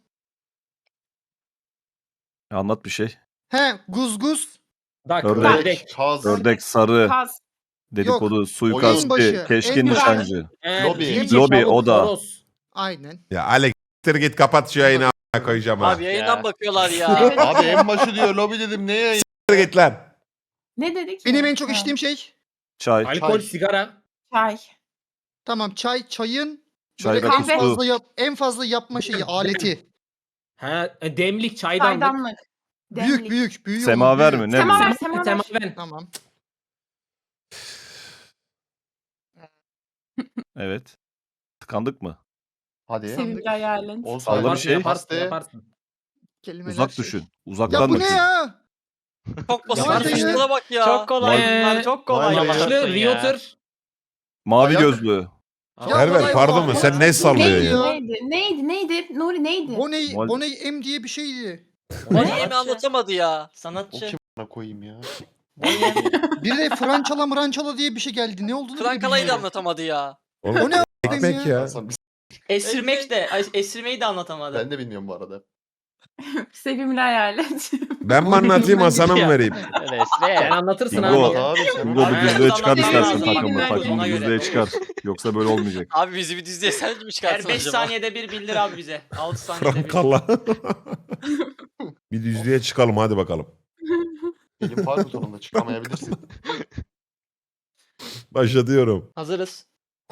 [SPEAKER 9] Anlat bir şey.
[SPEAKER 8] He, guzguz.
[SPEAKER 7] Dak,
[SPEAKER 9] Ördek.
[SPEAKER 7] ördek.
[SPEAKER 8] Kaz.
[SPEAKER 9] Ördek, sarı,
[SPEAKER 2] Kaz.
[SPEAKER 9] Dedikodu, suikast,
[SPEAKER 8] başı,
[SPEAKER 9] keşke
[SPEAKER 8] en başı.
[SPEAKER 9] nişancı.
[SPEAKER 7] Ee,
[SPEAKER 10] Lobi.
[SPEAKER 7] Cici
[SPEAKER 9] Lobi,
[SPEAKER 7] Çavuk
[SPEAKER 9] o da.
[SPEAKER 7] Toros.
[SPEAKER 8] Aynen.
[SPEAKER 1] Ya Alex siktir git kapat şu yayını a**ına koyacağım ha.
[SPEAKER 6] Abi yayından
[SPEAKER 5] Ya.
[SPEAKER 6] bakıyorlar ya.
[SPEAKER 10] Abi en başı diyor lobi dedim neye?
[SPEAKER 1] Siktir git lan.
[SPEAKER 2] Ne dedik?
[SPEAKER 8] Benim en çok
[SPEAKER 2] Ha,
[SPEAKER 8] içtiğim şey.
[SPEAKER 9] Çay.
[SPEAKER 7] Alkol,
[SPEAKER 10] Çay.
[SPEAKER 7] sigara.
[SPEAKER 2] Çay.
[SPEAKER 8] Tamam çay, çayın
[SPEAKER 9] Çay
[SPEAKER 8] böyle
[SPEAKER 9] ve
[SPEAKER 8] en
[SPEAKER 2] kahve.
[SPEAKER 9] tuzlu.
[SPEAKER 8] fazla, yap, en fazla yapma şeyi, aleti.
[SPEAKER 7] Ha, e, demlik, çaydanlık.
[SPEAKER 2] Çaydanlık.
[SPEAKER 8] Büyük
[SPEAKER 2] Demlik.
[SPEAKER 8] büyük büyük.
[SPEAKER 9] Semaver
[SPEAKER 8] büyük.
[SPEAKER 9] mi? Ne
[SPEAKER 2] Semaver,
[SPEAKER 9] bu?
[SPEAKER 2] semaver.
[SPEAKER 7] Semaven.
[SPEAKER 8] Tamam.
[SPEAKER 9] Evet. Tıkandık mı?
[SPEAKER 10] Hadi.
[SPEAKER 2] Sevimli hayalin.
[SPEAKER 10] On
[SPEAKER 9] Salla bir
[SPEAKER 10] saniye.
[SPEAKER 9] şey.
[SPEAKER 7] Yaparsın,
[SPEAKER 10] Pastaya.
[SPEAKER 7] yaparsın.
[SPEAKER 8] Kelimeler
[SPEAKER 9] Uzak
[SPEAKER 8] şey.
[SPEAKER 9] düşün.
[SPEAKER 8] Ya
[SPEAKER 9] Uzaktan
[SPEAKER 8] bu ne
[SPEAKER 9] düşün.
[SPEAKER 8] ya?
[SPEAKER 6] Çok basit.
[SPEAKER 8] Yaparsın ya.
[SPEAKER 6] Şuna bak ya.
[SPEAKER 5] Çok kolay
[SPEAKER 7] Ee,
[SPEAKER 5] bunlar çok kolay.
[SPEAKER 10] vay be.
[SPEAKER 5] Yaptın
[SPEAKER 7] Yaşlı,
[SPEAKER 5] ya.
[SPEAKER 7] realtor.
[SPEAKER 9] Mavi
[SPEAKER 10] Ayak-
[SPEAKER 9] gözlü.
[SPEAKER 8] Ya
[SPEAKER 1] Erver
[SPEAKER 8] kolay
[SPEAKER 1] pardon
[SPEAKER 8] olan
[SPEAKER 1] mu?
[SPEAKER 8] bu.
[SPEAKER 1] Sen ne
[SPEAKER 8] Bu
[SPEAKER 1] sallıyorsun
[SPEAKER 8] neydi
[SPEAKER 1] ya?
[SPEAKER 2] Neydi? Neydi? Neydi? Nuri neydi?
[SPEAKER 8] Boney,
[SPEAKER 5] Mol-
[SPEAKER 8] Boney M diye bir şeydi.
[SPEAKER 6] Niye mi anlatamadı ya?
[SPEAKER 10] O
[SPEAKER 5] Sanatçı.
[SPEAKER 10] kim a**ına koyayım ya?
[SPEAKER 8] Bir de Françala mırançala diye bir şey geldi. Ne olduğunu bile
[SPEAKER 6] Frankala'yı da
[SPEAKER 8] bilmiyorum.
[SPEAKER 6] anlatamadı ya.
[SPEAKER 1] Oğlum,
[SPEAKER 8] O ne a**ayım
[SPEAKER 1] ekmek ya.
[SPEAKER 10] Hasan, biz-
[SPEAKER 5] Esirmek de esirmeyi de anlatamadı.
[SPEAKER 10] Ben de bilmiyorum bu arada.
[SPEAKER 2] Sevimli hayalet.
[SPEAKER 1] Ben mi anlatayım Hasan'a mı vereyim?
[SPEAKER 4] Öyle
[SPEAKER 7] Sen
[SPEAKER 4] esne.
[SPEAKER 7] anlatırsın
[SPEAKER 9] Bingo.
[SPEAKER 7] abi.
[SPEAKER 10] Abi sen
[SPEAKER 9] Bingo bir
[SPEAKER 5] Aynen.
[SPEAKER 9] düzlüğe çıkar
[SPEAKER 5] Anlatmam
[SPEAKER 9] istersen
[SPEAKER 5] lazım.
[SPEAKER 9] takımı.
[SPEAKER 2] Ona
[SPEAKER 9] Takımı bir
[SPEAKER 5] göre.
[SPEAKER 9] düzlüğe çıkar. Yoksa böyle olmayacak.
[SPEAKER 6] Abi bizi bir dizide sen mi çıkartsın
[SPEAKER 5] Her beş
[SPEAKER 6] acaba?
[SPEAKER 5] saniyede bir bildir abi bize. altı saniyede bir.
[SPEAKER 1] Frankalla. Bir düzlüğe çıkalım hadi bakalım.
[SPEAKER 10] Elim far butonunda çıkamayabilirsin.
[SPEAKER 1] Başlatıyorum.
[SPEAKER 5] Hazırız.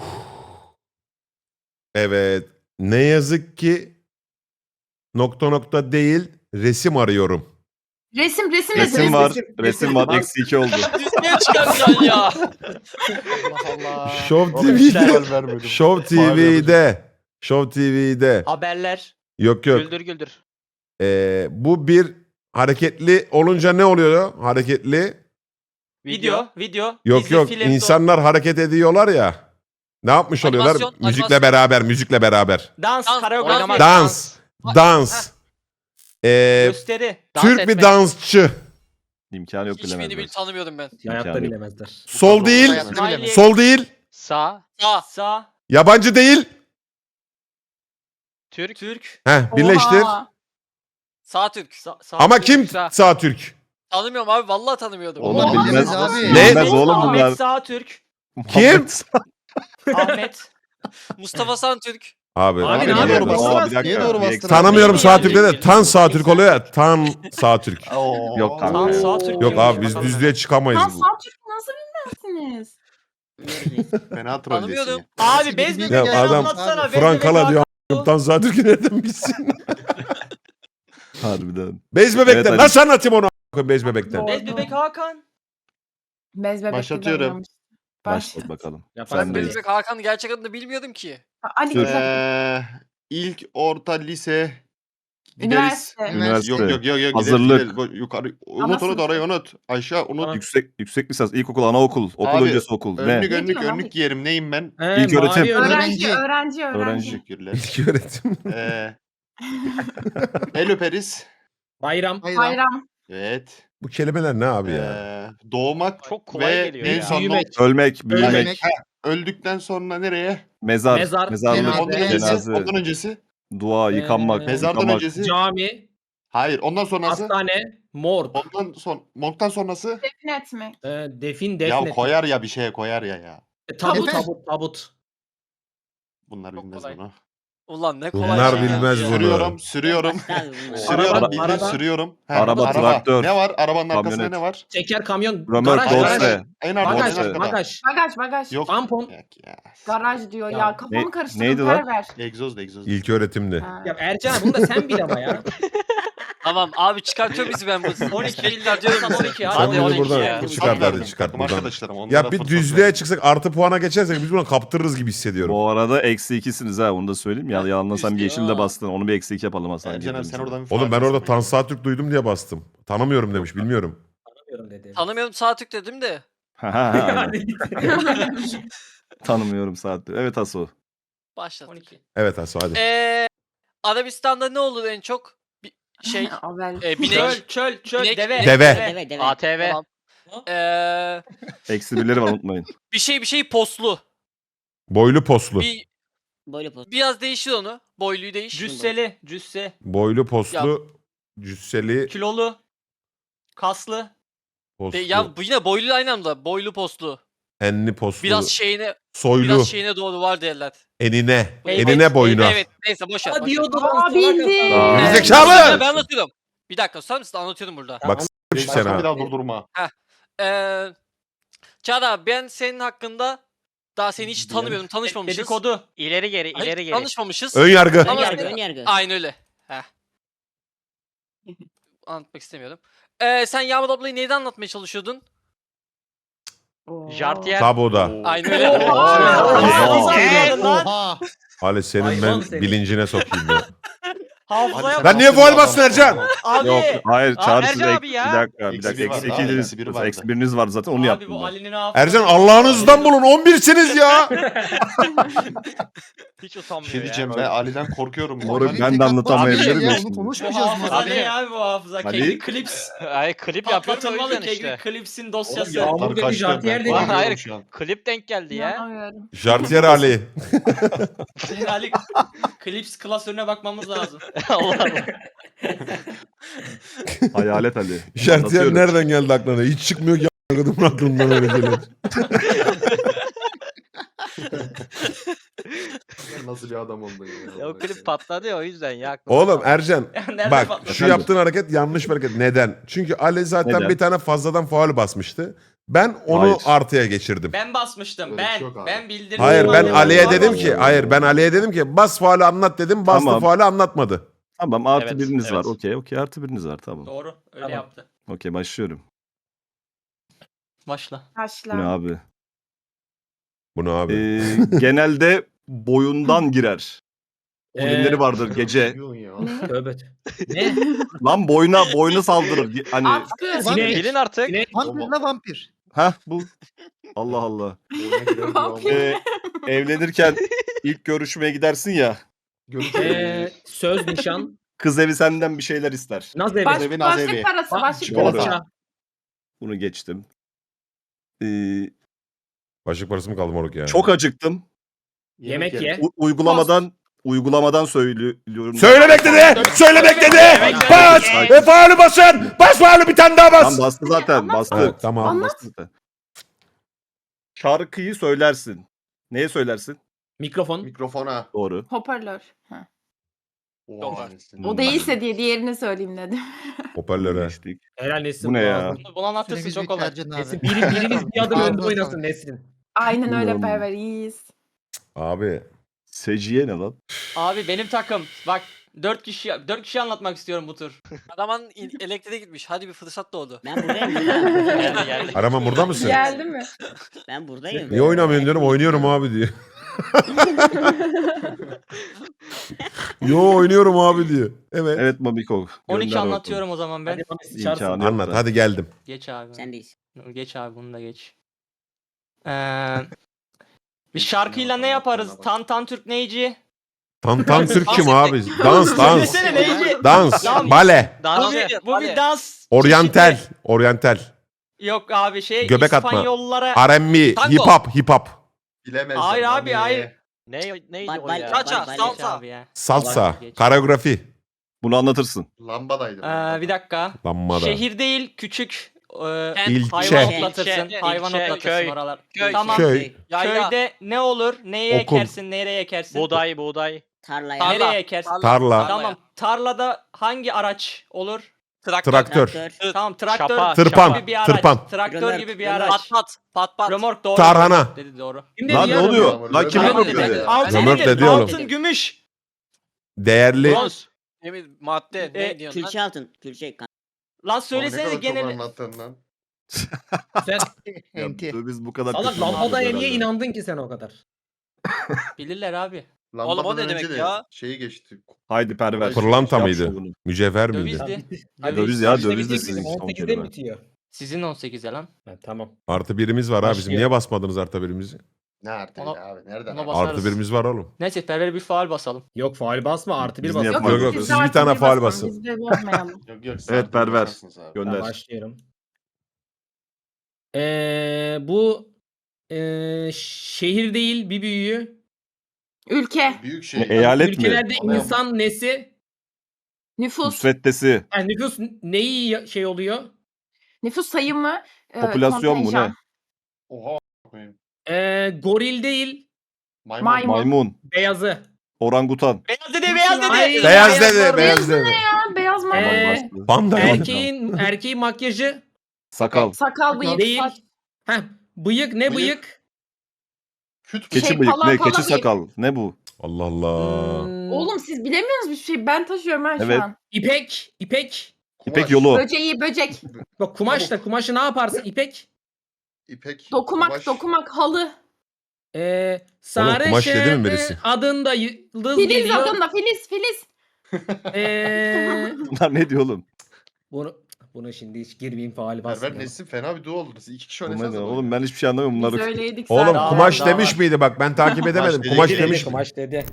[SPEAKER 1] Evet. Ne yazık ki nokta nokta değil resim arıyorum.
[SPEAKER 2] Resim resim
[SPEAKER 9] Resim var. Resim var. Eksi iki oldu.
[SPEAKER 6] Dizide çıkartacaksın ya.
[SPEAKER 10] Allah Allah.
[SPEAKER 1] Show
[SPEAKER 10] Oğlum,
[SPEAKER 1] T V'de.
[SPEAKER 10] işler vermedim.
[SPEAKER 1] Show T V'de. Show T V'de.
[SPEAKER 5] Haberler.
[SPEAKER 1] Yok yok.
[SPEAKER 4] Güldür güldür.
[SPEAKER 1] Ee, bu bir hareketli olunca ne oluyor? Hareketli.
[SPEAKER 5] Video. Video.
[SPEAKER 1] Yok
[SPEAKER 5] dizi,
[SPEAKER 1] yok.
[SPEAKER 5] film,
[SPEAKER 1] İnsanlar hareket ediyorlar ya. Ne yapmış oluyorlar?
[SPEAKER 6] Animasyon,
[SPEAKER 1] Müzikle
[SPEAKER 6] animasyon.
[SPEAKER 1] beraber, müzikle beraber.
[SPEAKER 5] Dans.
[SPEAKER 6] Dans,
[SPEAKER 5] Koreografi.
[SPEAKER 6] oynamak.
[SPEAKER 1] Dans. Dans. Ee,
[SPEAKER 5] Gösteri.
[SPEAKER 4] Dans
[SPEAKER 1] Türk bir
[SPEAKER 4] etmek.
[SPEAKER 1] dansçı.
[SPEAKER 9] İmkanı yok
[SPEAKER 6] Hiçbirini bil
[SPEAKER 9] bilemezler.
[SPEAKER 6] tanımıyordum ben.
[SPEAKER 7] Hayatta
[SPEAKER 9] İmkanı yok.
[SPEAKER 7] bilemezler.
[SPEAKER 1] Sol değil.
[SPEAKER 10] Hayatta
[SPEAKER 5] Smiley.
[SPEAKER 10] bilemem.
[SPEAKER 1] Sol değil.
[SPEAKER 4] Sağ.
[SPEAKER 6] Sağ.
[SPEAKER 5] Sağ.
[SPEAKER 1] Yabancı değil.
[SPEAKER 4] Türk.
[SPEAKER 5] Türk.
[SPEAKER 1] Heh, birleştir.
[SPEAKER 2] Oha.
[SPEAKER 6] Sağ Türk.
[SPEAKER 5] Sa- sağ
[SPEAKER 1] Ama
[SPEAKER 5] Türk.
[SPEAKER 1] kim
[SPEAKER 4] Sağ.
[SPEAKER 1] sağ Türk?
[SPEAKER 6] Tanımıyorum abi vallahi tanımıyordum.
[SPEAKER 9] Oğlum
[SPEAKER 8] Oğlum,
[SPEAKER 9] bilmez.
[SPEAKER 8] abi.
[SPEAKER 1] Ne?
[SPEAKER 9] Bilmez oğlum bunlar.
[SPEAKER 5] Ahmet Sağ Türk.
[SPEAKER 1] Kim?
[SPEAKER 5] Ahmet.
[SPEAKER 6] Mustafa Santürk.
[SPEAKER 1] Abi.
[SPEAKER 7] Abi,
[SPEAKER 1] abi,
[SPEAKER 7] ne
[SPEAKER 1] abi,
[SPEAKER 7] yapıyorsun?
[SPEAKER 1] abi.
[SPEAKER 9] Aa, bir
[SPEAKER 10] Niye
[SPEAKER 9] dakika.
[SPEAKER 10] doğru
[SPEAKER 9] Bir
[SPEAKER 10] bastın?
[SPEAKER 9] eksik.
[SPEAKER 1] Tanımıyorum sağ
[SPEAKER 5] Yani-
[SPEAKER 1] Türk'te de tan sağ Türk oluyor ya. Tan sağ Türk.
[SPEAKER 10] Oo.
[SPEAKER 9] Yok kanka.
[SPEAKER 5] Tam Sağ Türk.
[SPEAKER 1] Yok
[SPEAKER 5] kimmiş
[SPEAKER 1] abi biz
[SPEAKER 5] bakalım.
[SPEAKER 1] düzlüğe çıkamayız.
[SPEAKER 2] Lan
[SPEAKER 1] bu.
[SPEAKER 2] sağ Türk nasıl bilmezsiniz?
[SPEAKER 10] Fena trolldesin
[SPEAKER 6] Tanımıyordum.
[SPEAKER 10] ya.
[SPEAKER 5] Abi bez
[SPEAKER 8] Ya
[SPEAKER 5] bebek
[SPEAKER 1] adam-
[SPEAKER 5] anlatsana. Bez
[SPEAKER 1] Frankala
[SPEAKER 5] bebek
[SPEAKER 1] diyor.
[SPEAKER 5] Hakan.
[SPEAKER 1] Tan sağ Türk'ü nereden bilsin?
[SPEAKER 9] Harbiden.
[SPEAKER 1] Bez bebekten.
[SPEAKER 9] Evet, Ali.
[SPEAKER 1] Nasıl anlatayım onu? a**ın Bez bebekten.
[SPEAKER 5] Bez bebek Hakan.
[SPEAKER 2] Bez bebek
[SPEAKER 10] Başlatıyorum.
[SPEAKER 2] güzel Baş.
[SPEAKER 9] Başlat bakalım.
[SPEAKER 7] Yaparsın.
[SPEAKER 9] Sen
[SPEAKER 6] Ben
[SPEAKER 9] de.
[SPEAKER 6] Bezbek Hakan'ın gerçek adını bilmiyordum ki.
[SPEAKER 2] Ali
[SPEAKER 9] Dur.
[SPEAKER 2] güzel.
[SPEAKER 10] Ee, ilk orta lise gideriz.
[SPEAKER 2] Üniversite.
[SPEAKER 9] Üniversite.
[SPEAKER 10] Yok yok yok yok gideriz,
[SPEAKER 9] Hazırlık.
[SPEAKER 10] gideriz. Bu Yukarı unut
[SPEAKER 2] Ama
[SPEAKER 10] unut orayı unut. Aşağı unut.
[SPEAKER 9] Yüksek yüksek lisans, ilkokul, anaokul, okul
[SPEAKER 10] Abi,
[SPEAKER 9] öncesi okul.
[SPEAKER 10] Önlük
[SPEAKER 9] Ne?
[SPEAKER 10] önlük
[SPEAKER 2] Ne diyorsun
[SPEAKER 10] önlük
[SPEAKER 2] abi?
[SPEAKER 10] giyerim. Neyim ben?
[SPEAKER 7] He,
[SPEAKER 9] İlk
[SPEAKER 7] mavi
[SPEAKER 9] öğretim.
[SPEAKER 7] öğrenci.
[SPEAKER 2] Öğrenci,
[SPEAKER 8] Öğrenci.
[SPEAKER 2] öğrenci, öğrenci.
[SPEAKER 9] Öğrenci.
[SPEAKER 10] Teşekkürler.
[SPEAKER 1] İlk öğretim.
[SPEAKER 10] ee, el öperiz.
[SPEAKER 7] Bayram.
[SPEAKER 8] Hayır.
[SPEAKER 2] Bayram.
[SPEAKER 10] Evet.
[SPEAKER 1] Bu kelimeler ne abi ya?
[SPEAKER 10] Ee, doğmak
[SPEAKER 4] Çok kolay
[SPEAKER 10] ve
[SPEAKER 4] geliyor
[SPEAKER 10] en
[SPEAKER 4] ya.
[SPEAKER 10] son
[SPEAKER 7] Büyümek.
[SPEAKER 9] Ölmek, büyümek,
[SPEAKER 8] Ölmek.
[SPEAKER 10] öldükten sonra nereye?
[SPEAKER 9] mezar,
[SPEAKER 7] Mezar,
[SPEAKER 9] mezarlık,
[SPEAKER 8] cenaze.
[SPEAKER 10] Ondan öncesi.
[SPEAKER 9] cenaze,
[SPEAKER 10] Ondan öncesi.
[SPEAKER 9] dua, yıkanmak,
[SPEAKER 7] Ee,
[SPEAKER 10] Mezardan
[SPEAKER 9] yıkamak,
[SPEAKER 10] öncesi.
[SPEAKER 7] Cami.
[SPEAKER 10] Hayır. Ondan sonrası.
[SPEAKER 7] Hastane. Morg.
[SPEAKER 10] Ondan son. Monktan sonrası.
[SPEAKER 2] Defin etmek.
[SPEAKER 7] e, defin,
[SPEAKER 10] Ya
[SPEAKER 7] defnet.
[SPEAKER 10] koyar ya bir şeye koyar ya ya.
[SPEAKER 7] E, tabut,
[SPEAKER 8] Defne.
[SPEAKER 7] tabut, tabut.
[SPEAKER 10] Bunlar
[SPEAKER 6] Çok
[SPEAKER 10] bilmez
[SPEAKER 6] kolay.
[SPEAKER 10] bunu.
[SPEAKER 6] Ulan ne kolay
[SPEAKER 1] Bunlar
[SPEAKER 6] şey ya.
[SPEAKER 1] bilmez bunu.
[SPEAKER 10] Sürüyorum, sürüyorum. Sürüyorum,
[SPEAKER 7] Araba-
[SPEAKER 10] bildiğin
[SPEAKER 7] araba-
[SPEAKER 10] sürüyorum. He,
[SPEAKER 9] Araba, traktör,
[SPEAKER 10] Ne var? Arabanın arkasında
[SPEAKER 9] kamyonet.
[SPEAKER 10] ne var?
[SPEAKER 7] Çeker, kamyon.
[SPEAKER 9] Römork,
[SPEAKER 7] garaj,
[SPEAKER 9] dorse.
[SPEAKER 7] garaj.
[SPEAKER 10] En arkada, en
[SPEAKER 7] Bagaj,
[SPEAKER 10] arkada.
[SPEAKER 7] bagaj.
[SPEAKER 2] Bagaj, bagaj.
[SPEAKER 10] Yok.
[SPEAKER 7] Tampon.
[SPEAKER 10] Yok ya.
[SPEAKER 2] Garaj diyor ya.
[SPEAKER 7] Ya,
[SPEAKER 2] Kafamı
[SPEAKER 9] ne-
[SPEAKER 2] karıştırdım.
[SPEAKER 9] neydi lan?
[SPEAKER 2] Ver.
[SPEAKER 10] Egzoz da egzoz.
[SPEAKER 1] İlk öğretimde.
[SPEAKER 2] Ha.
[SPEAKER 7] Ya Ercan bunu da sen bil ama ya.
[SPEAKER 6] Tamam abi çıkartıyor bizi ben bu.
[SPEAKER 5] on iki
[SPEAKER 6] Bekler diyorum
[SPEAKER 5] bildi.
[SPEAKER 6] bize.
[SPEAKER 5] on iki
[SPEAKER 1] Sen
[SPEAKER 5] hadi.
[SPEAKER 6] Hadi
[SPEAKER 1] bunu
[SPEAKER 6] on iki
[SPEAKER 1] buradan
[SPEAKER 6] ya.
[SPEAKER 1] çıkart hadi çıkart
[SPEAKER 10] Takım
[SPEAKER 1] buradan.
[SPEAKER 10] arkadaşlarım. onlara
[SPEAKER 1] Ya bir
[SPEAKER 10] fırsat
[SPEAKER 1] düzlüğe
[SPEAKER 10] verin.
[SPEAKER 1] çıksak artı puana geçersek biz buna kaptırırız gibi hissediyorum.
[SPEAKER 9] Bu arada eksi ikisiniz ha onu da söyleyeyim. Ya yalanla sen bir
[SPEAKER 6] Düzlüğe-
[SPEAKER 9] yeşil de bastın. Onu bir eksi iki yapalım Hasan.
[SPEAKER 10] Ercan abi sen
[SPEAKER 9] girdiğimiz
[SPEAKER 10] oradan bir
[SPEAKER 1] Oğlum ben
[SPEAKER 10] fark
[SPEAKER 1] orada
[SPEAKER 10] etsin
[SPEAKER 1] Tan
[SPEAKER 10] ya.
[SPEAKER 1] sağ Türk duydum diye bastım. Tanımıyorum demiş bilmiyorum.
[SPEAKER 7] Tanımıyorum dedi.
[SPEAKER 6] Tanımıyorum sağ Türk dedim de.
[SPEAKER 9] Ha ha ha. aynen.
[SPEAKER 7] Hadi git.
[SPEAKER 9] Tanımıyorum saatleri. Evet Aso.
[SPEAKER 6] Başlat.
[SPEAKER 5] on iki.
[SPEAKER 1] Evet Haso hadi.
[SPEAKER 6] Eee Arabistan'da ne olur en çok? Bir şey.
[SPEAKER 2] Avel.
[SPEAKER 6] e,
[SPEAKER 5] Çöl,
[SPEAKER 6] binek.
[SPEAKER 5] çöl, çöl,
[SPEAKER 6] Binek-
[SPEAKER 5] deve.
[SPEAKER 1] Deve.
[SPEAKER 3] Deve deve.
[SPEAKER 4] A T V.
[SPEAKER 6] Tamam. Eee
[SPEAKER 9] Eksi birleri var unutmayın.
[SPEAKER 6] bir şey bir şey postlu.
[SPEAKER 1] Boylu poslu.
[SPEAKER 6] Bir
[SPEAKER 3] Böyle poz.
[SPEAKER 6] biraz değiştir onu. Boyluyu değiş.
[SPEAKER 5] Cüsseli, cüsse.
[SPEAKER 1] Boylu poslu. Cüsseli
[SPEAKER 5] Kilolu. Kaslı.
[SPEAKER 1] poslu.
[SPEAKER 6] De- ya bu yine boylu aynı anda. Boylu postlu.
[SPEAKER 1] Enli postlu.
[SPEAKER 6] Biraz şeyine
[SPEAKER 1] soylu.
[SPEAKER 6] biraz şeyine doğru var derler.
[SPEAKER 1] Enine.
[SPEAKER 6] Evet,
[SPEAKER 1] enine boyuna.
[SPEAKER 6] Evet, neyse boş ver.
[SPEAKER 7] Aa
[SPEAKER 6] boş ver.
[SPEAKER 7] diyordu
[SPEAKER 2] Aa,
[SPEAKER 7] lan salak
[SPEAKER 2] bildi.
[SPEAKER 7] adam.
[SPEAKER 9] Aa.
[SPEAKER 1] Gerizekalı!
[SPEAKER 6] Ben anlatıyorum. Bir dakika susar mısın? Anlatıyorum burada.
[SPEAKER 1] Bak s**miş sen
[SPEAKER 10] Başka bir
[SPEAKER 1] ha.
[SPEAKER 10] daha durdurma.
[SPEAKER 6] Ee, Çağrı ben senin hakkında daha seni hiç tanımıyorum. Tanışmamışız.
[SPEAKER 5] Dedikodu.
[SPEAKER 4] İleri geri,
[SPEAKER 6] Hayır,
[SPEAKER 4] ileri geri.
[SPEAKER 6] Tanışmamışız.
[SPEAKER 1] Ön yargı.
[SPEAKER 3] Ön
[SPEAKER 6] Ama-
[SPEAKER 3] yargı, ön yargı.
[SPEAKER 6] Aynı öyle. Heh. Anlatmak istemiyorum. Ee, sen Yağmur ablayı neyden anlatmaya çalışıyordun?
[SPEAKER 4] Jartiyer.
[SPEAKER 1] Tabuda.
[SPEAKER 6] Aynı öyle.
[SPEAKER 5] Oha.
[SPEAKER 8] Oha.
[SPEAKER 1] Ali senin
[SPEAKER 7] Hayvan
[SPEAKER 1] ben
[SPEAKER 7] seni.
[SPEAKER 1] bilincine sokayım ya.
[SPEAKER 5] Hafızaya
[SPEAKER 1] Lan niye faul bastın Ercan?
[SPEAKER 5] Abi.
[SPEAKER 9] Yok hayır
[SPEAKER 4] Aa,
[SPEAKER 9] Çağrı
[SPEAKER 4] Ercan
[SPEAKER 9] size ek-
[SPEAKER 4] abi ya.
[SPEAKER 9] bir dakika bir
[SPEAKER 10] Eksi
[SPEAKER 9] dakika
[SPEAKER 10] bir var
[SPEAKER 9] eksi
[SPEAKER 10] daha,
[SPEAKER 9] ikiniz
[SPEAKER 10] eksi biri vardı.
[SPEAKER 9] eksi biriniz var zaten onu
[SPEAKER 5] Abi
[SPEAKER 9] yaptım
[SPEAKER 5] bu
[SPEAKER 9] ben.
[SPEAKER 5] Ali'nin hafızası.
[SPEAKER 1] Ercan Allah'ınızdan bulun on birsiniz ya.
[SPEAKER 4] Hiç
[SPEAKER 10] Bir
[SPEAKER 4] utanmıyor
[SPEAKER 10] şey
[SPEAKER 4] ya.
[SPEAKER 10] diyeceğim ben Ali'den korkuyorum. bu
[SPEAKER 9] Moruk,
[SPEAKER 10] arada.
[SPEAKER 9] ben de anlatamayabilirim
[SPEAKER 8] Abi
[SPEAKER 9] ya
[SPEAKER 8] ya,
[SPEAKER 9] şimdi.
[SPEAKER 8] Onu
[SPEAKER 5] Bu
[SPEAKER 8] konuşmayacağız mı?
[SPEAKER 5] hafıza
[SPEAKER 4] Abi.
[SPEAKER 5] ne abi bu hafıza?
[SPEAKER 9] Ali?
[SPEAKER 5] Kegri Clips.
[SPEAKER 4] Ay klip yapıyoruz o
[SPEAKER 5] Patlatılmalı
[SPEAKER 4] yüzden
[SPEAKER 5] Kegri
[SPEAKER 4] işte.
[SPEAKER 5] Clips'in dosyası.
[SPEAKER 7] Yağmur
[SPEAKER 10] Kartlar
[SPEAKER 7] dedi,
[SPEAKER 10] kaçtı,
[SPEAKER 7] Jartiyer
[SPEAKER 10] ben
[SPEAKER 7] dedi.
[SPEAKER 10] korkuyorum
[SPEAKER 4] Hayır.
[SPEAKER 10] şu an.
[SPEAKER 4] Klip denk geldi ya.
[SPEAKER 2] İnanamıyorum.
[SPEAKER 1] Jartiyer Ali.
[SPEAKER 5] Senin Ali Clips klasörüne bakmamız lazım.
[SPEAKER 4] Allah Allah.
[SPEAKER 9] Hayalet Ali.
[SPEAKER 1] Jartiyer
[SPEAKER 9] Anlatıyorum.
[SPEAKER 1] nereden geldi aklına? Hiç çıkmıyor ki a**ın aklından öyle şeyler.
[SPEAKER 10] Nasıl bir adam oldun
[SPEAKER 4] Ya o klip patladı ya o yüzden ya. aklıma
[SPEAKER 1] Oğlum
[SPEAKER 4] kaldı.
[SPEAKER 1] Ercan
[SPEAKER 5] Nerede
[SPEAKER 1] bak
[SPEAKER 5] patladı?
[SPEAKER 1] şu yaptığın hareket yanlış bir hareket. Neden? Çünkü Ali zaten
[SPEAKER 9] Neden?
[SPEAKER 1] bir tane fazladan faul basmıştı. Ben onu
[SPEAKER 9] Hayır.
[SPEAKER 1] artıya geçirdim.
[SPEAKER 5] Ben basmıştım.
[SPEAKER 10] Öyle bir
[SPEAKER 5] Ben
[SPEAKER 10] şey yok abi.
[SPEAKER 5] ben bildirdim.
[SPEAKER 1] Hayır ben
[SPEAKER 5] Faul
[SPEAKER 1] Ali'ye
[SPEAKER 5] basmıştım.
[SPEAKER 1] dedim ki hayır ben Ali'ye dedim ki bas faulü anlat dedim. Bastı
[SPEAKER 9] Tamam.
[SPEAKER 1] faulü anlatmadı.
[SPEAKER 9] Tamam artı
[SPEAKER 4] Evet,
[SPEAKER 9] biriniz var.
[SPEAKER 4] evet.
[SPEAKER 9] Okey okey artı biriniz var tamam.
[SPEAKER 5] Doğru. Öyle
[SPEAKER 7] Tamam.
[SPEAKER 5] yaptı.
[SPEAKER 9] Okey başlıyorum.
[SPEAKER 5] Başla.
[SPEAKER 9] Bu ne
[SPEAKER 2] Başla.
[SPEAKER 9] abi?
[SPEAKER 1] Bunu abi.
[SPEAKER 9] Ee, genelde boyundan girer.
[SPEAKER 7] Ee,
[SPEAKER 9] Ürünleri vardır gece.
[SPEAKER 10] Diyorsun ya.
[SPEAKER 7] Tövbe. Ne?
[SPEAKER 9] Lan boyuna boyuna saldırır. Hani
[SPEAKER 2] Atkı.
[SPEAKER 7] Sinek.
[SPEAKER 4] Bilin artık.
[SPEAKER 7] Sinek.
[SPEAKER 8] Vampir la vampir.
[SPEAKER 9] ha bu. Allah Allah.
[SPEAKER 10] Oyuna girer
[SPEAKER 2] Vampir.
[SPEAKER 10] ya.
[SPEAKER 9] Ee, evlenirken ilk görüşmeye gidersin ya.
[SPEAKER 7] Ee, söz, nişan,
[SPEAKER 9] Kız evi senden bir şeyler ister.
[SPEAKER 7] naz evi.
[SPEAKER 2] Baş,
[SPEAKER 10] Evi, naz
[SPEAKER 2] başlık
[SPEAKER 10] evi.
[SPEAKER 2] parası.
[SPEAKER 7] Ba-
[SPEAKER 2] Başlık
[SPEAKER 9] Doğru.
[SPEAKER 2] parası.
[SPEAKER 7] Bohça.
[SPEAKER 9] Bunu geçtim. Ee,
[SPEAKER 1] Başlık parası mı kaldı moruk ya?
[SPEAKER 9] çok acıktım.
[SPEAKER 7] Yemek ye.
[SPEAKER 9] U- uygulamadan uygulamadan söylüyorum.
[SPEAKER 1] Söylemek dedi! Söylemek dedi! Bas! Ve faulü basın! Bas faulü bir tane daha
[SPEAKER 9] Tam
[SPEAKER 1] bas!
[SPEAKER 9] bastı zaten.
[SPEAKER 2] Anlat.
[SPEAKER 9] Bastı.
[SPEAKER 1] Evet, tamam.
[SPEAKER 9] Tamam, bastı zaten. Şarkıyı söylersin. Neye söylersin?
[SPEAKER 7] Mikrofon.
[SPEAKER 10] Mikrofona.
[SPEAKER 9] Doğru.
[SPEAKER 2] Hoparlör. Ha.
[SPEAKER 10] Oha.
[SPEAKER 2] O değilse diye diğerini söyleyeyim dedim.
[SPEAKER 1] Hoparlöre.
[SPEAKER 9] Geçtik.
[SPEAKER 7] Helal Nesin.
[SPEAKER 9] Bu ne ya?
[SPEAKER 7] bravo.
[SPEAKER 5] Bunu, bunu anlatırsın
[SPEAKER 8] Seni
[SPEAKER 5] çok
[SPEAKER 8] bir
[SPEAKER 5] kolay.
[SPEAKER 8] Ercan abi.
[SPEAKER 7] Nesin, biri, biriniz bir adım önde
[SPEAKER 8] Ağzına
[SPEAKER 7] oynasın
[SPEAKER 8] sağlık.
[SPEAKER 7] Nesin.
[SPEAKER 2] Aynen öyle
[SPEAKER 9] Hmm.
[SPEAKER 2] berber iyiyiz.
[SPEAKER 1] Abi.
[SPEAKER 9] Seciye ne lan?
[SPEAKER 5] Abi benim takım. Bak dört kişi dört kişi anlatmak istiyorum bu tur.
[SPEAKER 6] Adamın in- elektriğe gitmiş. Hadi bir fırsat doğdu.
[SPEAKER 3] Ben buradayım.
[SPEAKER 4] Geldi geldi.
[SPEAKER 1] Araman burada mısın?
[SPEAKER 2] Geldi mi?
[SPEAKER 3] Ben buradayım.
[SPEAKER 1] Niye oynamıyorsun diyorum. Oynuyorum abi diyor. Yo oynuyorum abi diyor. Evet.
[SPEAKER 9] Evet Mabiko.
[SPEAKER 5] on iki
[SPEAKER 9] gönder
[SPEAKER 5] anlatıyorum o zaman ben.
[SPEAKER 7] Hadi Mami sıçarsın.
[SPEAKER 9] İmkanı yok
[SPEAKER 1] Anlat
[SPEAKER 9] da.
[SPEAKER 1] hadi geldim.
[SPEAKER 5] Geç abi.
[SPEAKER 3] Sen değilsin.
[SPEAKER 5] Geç abi bunu da geç. Ee, bir şarkıyla ne yaparız? Tan Tan Türk neyci?
[SPEAKER 1] Tan Tan Türk kim abi? Dans dans.
[SPEAKER 5] Söylesene neyci?
[SPEAKER 1] Dans.
[SPEAKER 5] Lan-
[SPEAKER 1] Bale.
[SPEAKER 5] Bu
[SPEAKER 4] Dans
[SPEAKER 5] bir, bu
[SPEAKER 6] Hadi.
[SPEAKER 5] bir dans.
[SPEAKER 1] Oryantal.
[SPEAKER 5] çeşidi.
[SPEAKER 1] Oryantal.
[SPEAKER 5] Yok abi şey
[SPEAKER 1] Göbek atma.
[SPEAKER 5] İspanyollara.
[SPEAKER 1] R and B.
[SPEAKER 6] Tango.
[SPEAKER 1] Hip hop. Hip hop.
[SPEAKER 10] Bilemezler.
[SPEAKER 5] Hayır
[SPEAKER 10] lan
[SPEAKER 5] abi,
[SPEAKER 10] ne?
[SPEAKER 5] hayır.
[SPEAKER 4] Ne neydi
[SPEAKER 3] Bal-
[SPEAKER 4] o
[SPEAKER 3] bal-
[SPEAKER 4] ya?
[SPEAKER 6] Çaça,
[SPEAKER 3] bal-
[SPEAKER 6] salsa.
[SPEAKER 5] Geç abi ya.
[SPEAKER 1] Salsa.
[SPEAKER 5] Geç.
[SPEAKER 1] Koreografi.
[SPEAKER 9] Bunu anlatırsın.
[SPEAKER 10] Lambadaydı.
[SPEAKER 5] Ee, bir dakika.
[SPEAKER 1] Lambada.
[SPEAKER 5] Şehir değil küçük. E,
[SPEAKER 6] Kent,
[SPEAKER 1] İlçe.
[SPEAKER 5] hayvan
[SPEAKER 3] İlçe,
[SPEAKER 5] otlatırsın.
[SPEAKER 6] ilçe,
[SPEAKER 5] hayvan
[SPEAKER 4] ilçe,
[SPEAKER 5] otlatırsın
[SPEAKER 4] köy.
[SPEAKER 5] oralar.
[SPEAKER 6] Köy.
[SPEAKER 5] Tamam.
[SPEAKER 1] Köy.
[SPEAKER 6] Yayla.
[SPEAKER 5] Köyde ne olur? Neye
[SPEAKER 1] Okul.
[SPEAKER 5] ekersin? Nereye ekersin?
[SPEAKER 4] Buğday buğday.
[SPEAKER 3] Tarlaya.
[SPEAKER 6] Tarla.
[SPEAKER 5] Nereye ekersin?
[SPEAKER 1] Tarla.
[SPEAKER 5] Tamam. Tarlada hangi araç olur?
[SPEAKER 6] Traktör.
[SPEAKER 1] Traktör.
[SPEAKER 3] Traktör.
[SPEAKER 5] Tamam traktör
[SPEAKER 4] Şapa,
[SPEAKER 1] Tırpan.
[SPEAKER 5] gibi bir araç.
[SPEAKER 1] Tırpan.
[SPEAKER 5] Traktör
[SPEAKER 3] Römork,
[SPEAKER 5] gibi bir
[SPEAKER 3] römork.
[SPEAKER 5] araç.
[SPEAKER 6] Pat pat. Pat pat.
[SPEAKER 5] Römork doğru.
[SPEAKER 1] Tarhana.
[SPEAKER 5] Dedi doğru.
[SPEAKER 7] Kim dedi
[SPEAKER 9] Lan
[SPEAKER 7] ya?
[SPEAKER 9] ne oluyor?
[SPEAKER 10] Römork.
[SPEAKER 9] Lan kim
[SPEAKER 10] Römork
[SPEAKER 9] römork
[SPEAKER 5] dedi.
[SPEAKER 9] dedi?
[SPEAKER 5] Altın,
[SPEAKER 1] Römork
[SPEAKER 5] nedir?
[SPEAKER 1] dedi oğlum.
[SPEAKER 5] Altın, gümüş.
[SPEAKER 1] Değerli.
[SPEAKER 6] Bronz. Emin madde.
[SPEAKER 5] E,
[SPEAKER 6] Ne diyorsun lan?
[SPEAKER 3] Külçe altın. Külçe. kan-
[SPEAKER 5] Lan
[SPEAKER 10] Oğlum,
[SPEAKER 5] söylesene
[SPEAKER 10] ne kadar çok
[SPEAKER 5] genel.
[SPEAKER 10] anlattın lan.
[SPEAKER 7] Sen
[SPEAKER 9] Ya,
[SPEAKER 8] Enti.
[SPEAKER 9] biz bu kadar
[SPEAKER 7] salak
[SPEAKER 9] kötü
[SPEAKER 7] lambadaya
[SPEAKER 9] anlatıyoruz
[SPEAKER 7] niye
[SPEAKER 9] herhalde.
[SPEAKER 7] inandın ki sen o kadar?
[SPEAKER 5] Bilirler abi.
[SPEAKER 6] Oğlum, o
[SPEAKER 10] Lambadan
[SPEAKER 6] ne demek
[SPEAKER 10] önce de
[SPEAKER 6] ya?
[SPEAKER 10] Şeyi geçti.
[SPEAKER 9] Haydi perver.
[SPEAKER 1] Pırlanta
[SPEAKER 9] Yap
[SPEAKER 1] mıydı?
[SPEAKER 9] şovunu.
[SPEAKER 1] Mücevher miydi?
[SPEAKER 5] Dövizdi.
[SPEAKER 7] Hadi
[SPEAKER 9] Döviz ya,
[SPEAKER 7] işte
[SPEAKER 9] döviz de
[SPEAKER 7] bitecek
[SPEAKER 9] sizin
[SPEAKER 7] bizim,
[SPEAKER 9] son
[SPEAKER 7] on sekizde
[SPEAKER 9] kelime.
[SPEAKER 7] mi bitiyor?
[SPEAKER 5] Sizin on sekizde lan.
[SPEAKER 7] Ha, tamam.
[SPEAKER 1] Artı birimiz var ha bizim.
[SPEAKER 7] Başlıyor.
[SPEAKER 1] Niye basmadınız artı birimizi?
[SPEAKER 10] Ne artık
[SPEAKER 5] Ona-
[SPEAKER 10] abi? Nereden?
[SPEAKER 5] ona
[SPEAKER 10] abi?
[SPEAKER 5] bas-
[SPEAKER 1] Artı
[SPEAKER 5] Basarız.
[SPEAKER 1] birimiz var oğlum.
[SPEAKER 5] Neyse Perver'e bir faal basalım.
[SPEAKER 7] Yok faal basma artı bir
[SPEAKER 9] Biz
[SPEAKER 7] bas.
[SPEAKER 9] niye
[SPEAKER 2] Yok
[SPEAKER 9] Yok,
[SPEAKER 1] yok,
[SPEAKER 2] siz
[SPEAKER 1] siz bir
[SPEAKER 2] artı
[SPEAKER 1] tane
[SPEAKER 2] bir
[SPEAKER 1] faal
[SPEAKER 2] basın,
[SPEAKER 1] basın.
[SPEAKER 2] Biz de bozmayalım.
[SPEAKER 10] Yok yok.
[SPEAKER 9] Evet, berber.
[SPEAKER 10] basarsınız abi.
[SPEAKER 9] Gönder.
[SPEAKER 7] Ben başlıyorum. Ee, bu ee, şehir değil bir büyüğü.
[SPEAKER 2] Ülke.
[SPEAKER 10] Büyük şey.
[SPEAKER 9] Ne, eyalet mi?
[SPEAKER 7] Ülkelerde
[SPEAKER 10] Ona-
[SPEAKER 7] insan nesi?
[SPEAKER 2] Nüfus.
[SPEAKER 9] Müsveddesi.
[SPEAKER 7] Yani nüfus neyi ya- şey oluyor?
[SPEAKER 2] Nüfus sayımı. e,
[SPEAKER 9] Popülasyon mu ne?
[SPEAKER 2] kontenjan.
[SPEAKER 10] Oha. Koyayım.
[SPEAKER 7] Ee, goril değil.
[SPEAKER 10] Maymun.
[SPEAKER 2] Maymun.
[SPEAKER 9] Maymun.
[SPEAKER 7] Beyazı.
[SPEAKER 9] Orangutan.
[SPEAKER 5] Beyaz dedi beyaz dedi.
[SPEAKER 7] Hayır,
[SPEAKER 1] Beyaz dedi,
[SPEAKER 7] var.
[SPEAKER 1] beyaz dedi.
[SPEAKER 2] Ya, beyaz maymun.
[SPEAKER 7] Ee,
[SPEAKER 1] Panda ya.
[SPEAKER 7] erkeğin erkeğin makyajı
[SPEAKER 9] Sakal.
[SPEAKER 2] Sakal bıyık.
[SPEAKER 7] değil.
[SPEAKER 2] saç.
[SPEAKER 7] Heh, bıyık ne
[SPEAKER 10] Bıyık.
[SPEAKER 7] bıyık?
[SPEAKER 10] Küt
[SPEAKER 9] Keçi
[SPEAKER 2] Şey,
[SPEAKER 9] bıyık
[SPEAKER 2] pala-
[SPEAKER 9] ne?
[SPEAKER 2] pala
[SPEAKER 9] Keçi
[SPEAKER 2] bıyık.
[SPEAKER 9] sakal. Ne bu?
[SPEAKER 1] Allah Allah.
[SPEAKER 7] Hmm,
[SPEAKER 2] Oğlum siz bilemiyorsunuz bir şey. Ben taşıyorum ben
[SPEAKER 9] Evet.
[SPEAKER 2] şu an.
[SPEAKER 7] İpek, ipek.
[SPEAKER 9] İpek yolu.
[SPEAKER 2] Böceği, böcek.
[SPEAKER 7] Bak kumaşla kumaşı ne yaparsın? İpek.
[SPEAKER 10] İpek.
[SPEAKER 2] Dokumak,
[SPEAKER 10] kumaş.
[SPEAKER 2] dokumak, halı.
[SPEAKER 7] Ee, sarı
[SPEAKER 1] kumaş dedi mi
[SPEAKER 7] şerli
[SPEAKER 1] birisi?
[SPEAKER 7] adında yıldız
[SPEAKER 2] Filiz
[SPEAKER 7] geliyor.
[SPEAKER 2] adında, Filiz, Filiz.
[SPEAKER 7] Ee,
[SPEAKER 9] Bunlar ne diyor oğlum?
[SPEAKER 7] bunu bunu şimdi hiç girmeyeyim faali
[SPEAKER 10] Berber
[SPEAKER 7] basmıyor.
[SPEAKER 10] Nesin fena bir duo oldu. Siz iki kişi
[SPEAKER 9] Oğlum,
[SPEAKER 10] oynasanız.
[SPEAKER 9] oğlum ben hiçbir şey anlamıyorum
[SPEAKER 2] Biz
[SPEAKER 9] bunları.
[SPEAKER 2] öyleydik
[SPEAKER 1] Oğlum
[SPEAKER 2] zaten.
[SPEAKER 1] kumaş
[SPEAKER 7] daha
[SPEAKER 1] demiş
[SPEAKER 7] var.
[SPEAKER 1] miydi bak ben takip edemedim.
[SPEAKER 10] dedi,
[SPEAKER 1] Kumaş
[SPEAKER 10] dedi,
[SPEAKER 1] demiş.
[SPEAKER 7] Kumaş dedi.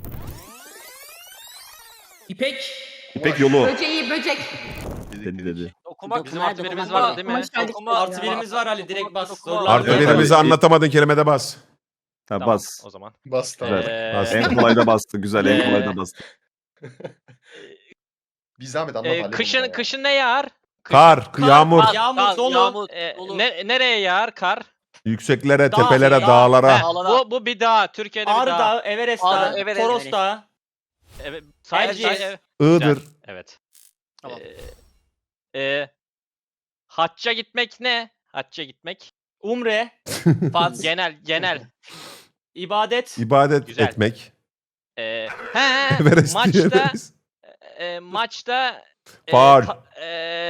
[SPEAKER 2] İpek.
[SPEAKER 9] İpek yolu.
[SPEAKER 2] Böceği, böcek.
[SPEAKER 9] Dedi dedi.
[SPEAKER 6] Okumak
[SPEAKER 4] Bizim
[SPEAKER 3] Dokumak,
[SPEAKER 4] artı birimiz
[SPEAKER 3] dokumak.
[SPEAKER 4] vardı değil mi?
[SPEAKER 2] Kumaş geldik.
[SPEAKER 6] Dokuma-
[SPEAKER 5] Artı birimiz var Ali direkt bas.
[SPEAKER 6] Dokuma-
[SPEAKER 5] Zorla.
[SPEAKER 1] Artı
[SPEAKER 9] Evet,
[SPEAKER 1] birimizi
[SPEAKER 9] evet.
[SPEAKER 1] anlatamadın kelimede bas.
[SPEAKER 9] Ha,
[SPEAKER 4] Tamam,
[SPEAKER 9] bas.
[SPEAKER 4] o zaman.
[SPEAKER 10] Bastı.
[SPEAKER 4] Ee,
[SPEAKER 1] Bas.
[SPEAKER 9] En kolay da bastı. Güzel en
[SPEAKER 4] Ee,
[SPEAKER 9] kolay da bastı.
[SPEAKER 10] Bir zahmet anlat
[SPEAKER 4] e,
[SPEAKER 10] Ali
[SPEAKER 4] kışın
[SPEAKER 10] bunu ya.
[SPEAKER 4] kışın ne yağar?
[SPEAKER 1] Kar, yağmur,
[SPEAKER 6] kar.
[SPEAKER 5] Yağmur
[SPEAKER 6] Kar,
[SPEAKER 5] dolu.
[SPEAKER 6] yağmur.
[SPEAKER 4] E,
[SPEAKER 6] Dolu.
[SPEAKER 4] ne, nereye yağar kar?
[SPEAKER 1] yükseklere,
[SPEAKER 5] Dağ,
[SPEAKER 1] tepelere,
[SPEAKER 5] dağ,
[SPEAKER 1] dağlara.
[SPEAKER 4] Heh, bu, bu bir dağ. Türkiye'de bir
[SPEAKER 5] Ağrı
[SPEAKER 4] dağ.
[SPEAKER 5] Dağı, Everest
[SPEAKER 6] Ağrı,
[SPEAKER 5] Dağı,
[SPEAKER 6] Everest,
[SPEAKER 5] Toros
[SPEAKER 3] Everest.
[SPEAKER 5] Dağı.
[SPEAKER 4] Evet, say,
[SPEAKER 5] Erciyes.
[SPEAKER 4] say, evet.
[SPEAKER 1] Iğdır.
[SPEAKER 4] Evet.
[SPEAKER 6] Tamam.
[SPEAKER 4] Ee, e, hacca gitmek ne? Hacca gitmek.
[SPEAKER 5] Umre.
[SPEAKER 6] Faz.
[SPEAKER 4] Genel, genel.
[SPEAKER 5] ibadet.
[SPEAKER 1] İbadet
[SPEAKER 4] Güzel.
[SPEAKER 1] etmek.
[SPEAKER 4] Ee, he,
[SPEAKER 1] Everest
[SPEAKER 4] maçta,
[SPEAKER 1] diyebiliriz.
[SPEAKER 4] e, maçta e,
[SPEAKER 1] Faul.
[SPEAKER 4] ta-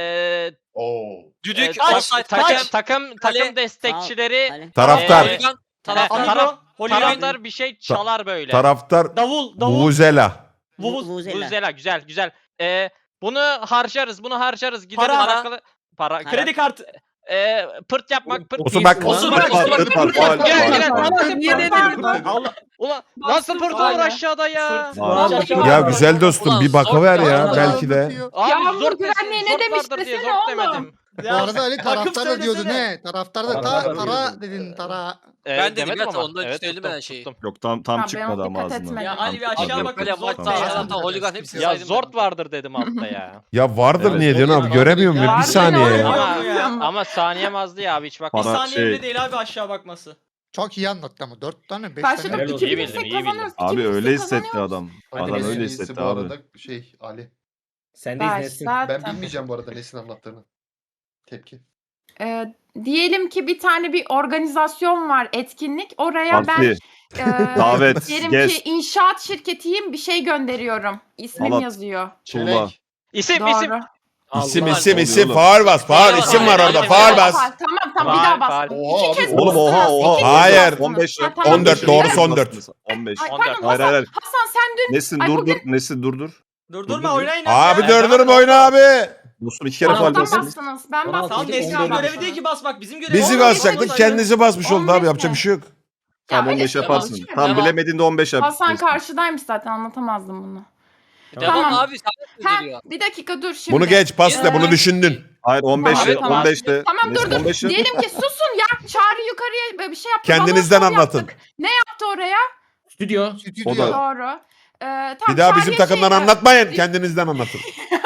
[SPEAKER 4] e,
[SPEAKER 10] Oo.
[SPEAKER 6] Düdük.
[SPEAKER 4] e, ta-
[SPEAKER 6] offside,
[SPEAKER 4] takım,
[SPEAKER 6] taç.
[SPEAKER 4] takım,
[SPEAKER 6] Kale.
[SPEAKER 4] takım destekçileri
[SPEAKER 3] Ali.
[SPEAKER 1] Taraftar.
[SPEAKER 4] Ee,
[SPEAKER 6] Holigan.
[SPEAKER 4] he,
[SPEAKER 6] Taraftar.
[SPEAKER 5] Amigo.
[SPEAKER 4] taraf,
[SPEAKER 5] Holigan.
[SPEAKER 4] taraftar bir şey çalar böyle.
[SPEAKER 1] Taraftar
[SPEAKER 5] Davul. Davul.
[SPEAKER 1] Vuvuzela.
[SPEAKER 5] Vuvuz.
[SPEAKER 3] Vuvuzela.
[SPEAKER 4] Güzel, güzel, güzel. Ee, bunu harcarız, bunu harcarız. Gideriz
[SPEAKER 5] Para.
[SPEAKER 4] alakalı. Para.
[SPEAKER 5] Kredi kartı.
[SPEAKER 4] Ee, pırt yapmak, pırt.
[SPEAKER 1] Osurmak.
[SPEAKER 6] Osurmak.
[SPEAKER 9] Irk var, ırk var, faul,
[SPEAKER 4] Gel,
[SPEAKER 9] faul,
[SPEAKER 4] gel.
[SPEAKER 9] faul.
[SPEAKER 7] Niye dedin?
[SPEAKER 5] Allah.
[SPEAKER 4] Ulan
[SPEAKER 2] Bastım
[SPEAKER 4] nasıl pırt olur
[SPEAKER 2] hala.
[SPEAKER 4] aşağıda ya?
[SPEAKER 5] Sırt.
[SPEAKER 9] Var.
[SPEAKER 5] Aşağı-
[SPEAKER 1] Ya güzel dostum
[SPEAKER 6] Ulan
[SPEAKER 1] bir bakıver
[SPEAKER 6] zor
[SPEAKER 1] ya
[SPEAKER 6] ya.
[SPEAKER 1] belki de.
[SPEAKER 4] Abi
[SPEAKER 2] Yağmur
[SPEAKER 4] zor
[SPEAKER 2] güvenliği
[SPEAKER 4] desin,
[SPEAKER 2] ne
[SPEAKER 4] zor
[SPEAKER 2] demiş
[SPEAKER 4] vardır diye
[SPEAKER 2] desene
[SPEAKER 4] zor
[SPEAKER 2] oğlum.
[SPEAKER 4] demedim.
[SPEAKER 8] Bu arada Ali
[SPEAKER 5] takım
[SPEAKER 8] taraftar da diyordu
[SPEAKER 5] söylesene.
[SPEAKER 8] ne? Taraftar da ta,
[SPEAKER 1] Taraftar
[SPEAKER 8] tara
[SPEAKER 9] diyordu.
[SPEAKER 8] dedin tara.
[SPEAKER 4] Ee,
[SPEAKER 6] Ben dedim
[SPEAKER 4] demedim
[SPEAKER 6] ya,
[SPEAKER 4] ama.
[SPEAKER 6] ondan
[SPEAKER 4] Evet,
[SPEAKER 6] söylemeden
[SPEAKER 4] tuttum,
[SPEAKER 6] şeyi.
[SPEAKER 4] tuttum.
[SPEAKER 9] Yok tam tam
[SPEAKER 2] Ha, ben
[SPEAKER 9] çıkmadı
[SPEAKER 2] ona
[SPEAKER 9] ama
[SPEAKER 2] dikkat
[SPEAKER 9] ağzından.
[SPEAKER 2] etmedim.
[SPEAKER 5] Ya Ali bir
[SPEAKER 9] Tam
[SPEAKER 5] aşağı
[SPEAKER 9] çıkmadı.
[SPEAKER 5] bakın.
[SPEAKER 6] Böyle
[SPEAKER 5] Zor
[SPEAKER 6] maçta
[SPEAKER 9] Tamam.
[SPEAKER 6] taraftar holigan hepsini
[SPEAKER 4] Ya
[SPEAKER 6] saydım.
[SPEAKER 4] zort vardır dedim altta ya.
[SPEAKER 1] Ya vardır
[SPEAKER 9] Evet,
[SPEAKER 1] niye diyorsun abi
[SPEAKER 6] doğru.
[SPEAKER 1] göremiyorum ya bir
[SPEAKER 2] Vardır
[SPEAKER 1] saniye
[SPEAKER 2] oğlum.
[SPEAKER 1] ya.
[SPEAKER 4] Ama, ama saniyem azdı ya abi hiç
[SPEAKER 5] Bir
[SPEAKER 4] bakma.
[SPEAKER 9] Para-
[SPEAKER 5] saniye
[SPEAKER 9] şey-
[SPEAKER 5] bile değil abi aşağı bakması.
[SPEAKER 8] Çok iyi anlattı ama. Dört tane, beş
[SPEAKER 2] Başladık
[SPEAKER 8] tane.
[SPEAKER 7] Helal olsun.
[SPEAKER 2] iki
[SPEAKER 4] İyi
[SPEAKER 2] bin
[SPEAKER 4] bildim, iyi
[SPEAKER 2] kazanıyoruz.
[SPEAKER 9] Abi
[SPEAKER 2] iki bin
[SPEAKER 9] öyle hissetti
[SPEAKER 2] kazanıyoruz.
[SPEAKER 9] adam.
[SPEAKER 10] Aynen,
[SPEAKER 9] Adam
[SPEAKER 10] en
[SPEAKER 9] öyle
[SPEAKER 10] iyisi
[SPEAKER 9] hissetti
[SPEAKER 10] bu
[SPEAKER 9] abi.
[SPEAKER 10] arada şey Ali.
[SPEAKER 7] Sen de
[SPEAKER 2] Baş
[SPEAKER 7] izlesin.
[SPEAKER 2] zaten.
[SPEAKER 10] Ben bilmeyeceğim bu arada Nesin anlattığını. Tepki.
[SPEAKER 2] Ee, diyelim ki bir tane bir organizasyon var, etkinlik. Oraya ben
[SPEAKER 9] Parti,
[SPEAKER 2] e,
[SPEAKER 9] davet,
[SPEAKER 2] diyelim
[SPEAKER 9] gez,
[SPEAKER 2] ki inşaat şirketiyim, bir şey gönderiyorum. İsmim
[SPEAKER 9] Halat.
[SPEAKER 2] yazıyor.
[SPEAKER 9] tuğla.
[SPEAKER 10] Çelenk.
[SPEAKER 4] İsim isim.
[SPEAKER 2] Doğru.
[SPEAKER 1] İsim
[SPEAKER 7] Allah.
[SPEAKER 1] isim
[SPEAKER 9] Allah.
[SPEAKER 1] isim faal bas faal
[SPEAKER 6] Eyvallah.
[SPEAKER 1] isim var orada
[SPEAKER 6] Eyvallah.
[SPEAKER 1] faal bas.
[SPEAKER 2] Tamam tamam bir
[SPEAKER 4] Faal,
[SPEAKER 2] daha
[SPEAKER 4] faal.
[SPEAKER 2] bastım.
[SPEAKER 10] Oha
[SPEAKER 2] İki
[SPEAKER 10] abi.
[SPEAKER 2] kez
[SPEAKER 9] Oğlum oha
[SPEAKER 2] bastınız,
[SPEAKER 9] oha.
[SPEAKER 2] iki kez
[SPEAKER 1] Hayır.
[SPEAKER 2] bastınız.
[SPEAKER 9] on beş
[SPEAKER 2] Ha,
[SPEAKER 9] yap.
[SPEAKER 2] tamam,
[SPEAKER 1] on dört,
[SPEAKER 2] teşekkür
[SPEAKER 1] doğru,
[SPEAKER 2] ederim.
[SPEAKER 1] son dört.
[SPEAKER 9] on beş.
[SPEAKER 2] Ay,
[SPEAKER 4] on
[SPEAKER 2] pardon
[SPEAKER 4] dört.
[SPEAKER 9] Hayır,
[SPEAKER 2] Hasan,
[SPEAKER 9] hayır.
[SPEAKER 2] Hasan sen dün
[SPEAKER 9] Nesin
[SPEAKER 2] Ay,
[SPEAKER 9] dur
[SPEAKER 2] bugün-
[SPEAKER 9] dur. Nesin dur dur.
[SPEAKER 5] Durdurma
[SPEAKER 9] Dur, dur.
[SPEAKER 5] oynayın
[SPEAKER 1] Abi
[SPEAKER 5] ya.
[SPEAKER 1] durdurma oyunu abi.
[SPEAKER 9] Dostum iki kere faal
[SPEAKER 2] alttan
[SPEAKER 9] bastın.
[SPEAKER 2] bastınız. Ben
[SPEAKER 7] on altı,
[SPEAKER 2] bastım.
[SPEAKER 5] Tamam
[SPEAKER 7] on
[SPEAKER 5] Nesli'nin
[SPEAKER 7] dört.
[SPEAKER 5] görevi değil ki basmak. Bizim görevimiz.
[SPEAKER 1] Bizi
[SPEAKER 2] on beş
[SPEAKER 1] basacaktık
[SPEAKER 2] olsaydı-
[SPEAKER 1] kendisi basmış oldu
[SPEAKER 2] on
[SPEAKER 1] abi
[SPEAKER 2] beş
[SPEAKER 1] yapacak
[SPEAKER 2] mi?
[SPEAKER 1] bir şey yok.
[SPEAKER 9] Tamam
[SPEAKER 2] Ya,
[SPEAKER 9] on beş
[SPEAKER 2] öyle
[SPEAKER 9] yaparsın.
[SPEAKER 2] şey
[SPEAKER 9] Tam
[SPEAKER 6] Devam.
[SPEAKER 9] bilemediğinde on beş yap.
[SPEAKER 2] Hasan
[SPEAKER 9] Nesin.
[SPEAKER 2] karşıdaymış zaten, anlatamazdım bunu.
[SPEAKER 6] Devam
[SPEAKER 2] Tamam.
[SPEAKER 6] abi sen
[SPEAKER 2] Ha,
[SPEAKER 6] söylüyor.
[SPEAKER 2] bir dakika dur şimdi.
[SPEAKER 1] Bunu geç pas de bunu
[SPEAKER 2] Ee,
[SPEAKER 1] düşündün.
[SPEAKER 9] Hayır on beş
[SPEAKER 2] Tamam,
[SPEAKER 9] de
[SPEAKER 2] tamam.
[SPEAKER 9] on beş de.
[SPEAKER 2] Tamam dur
[SPEAKER 9] Nesin,
[SPEAKER 2] dur.
[SPEAKER 9] on beş yap.
[SPEAKER 2] Diyelim ki susun ya. Çağrı yukarıya bir şey yaptı.
[SPEAKER 1] Kendinizden
[SPEAKER 2] balon şov
[SPEAKER 1] anlatın.
[SPEAKER 2] yaptık. Ne yaptı oraya?
[SPEAKER 7] Stüdyo.
[SPEAKER 8] Stüdyo.
[SPEAKER 9] O da-
[SPEAKER 2] Doğru. Ee, tamam,
[SPEAKER 1] Bir daha bizim
[SPEAKER 2] Çağrı'ya
[SPEAKER 1] takımdan
[SPEAKER 2] şey-
[SPEAKER 1] anlatmayın kendinizden anlatın.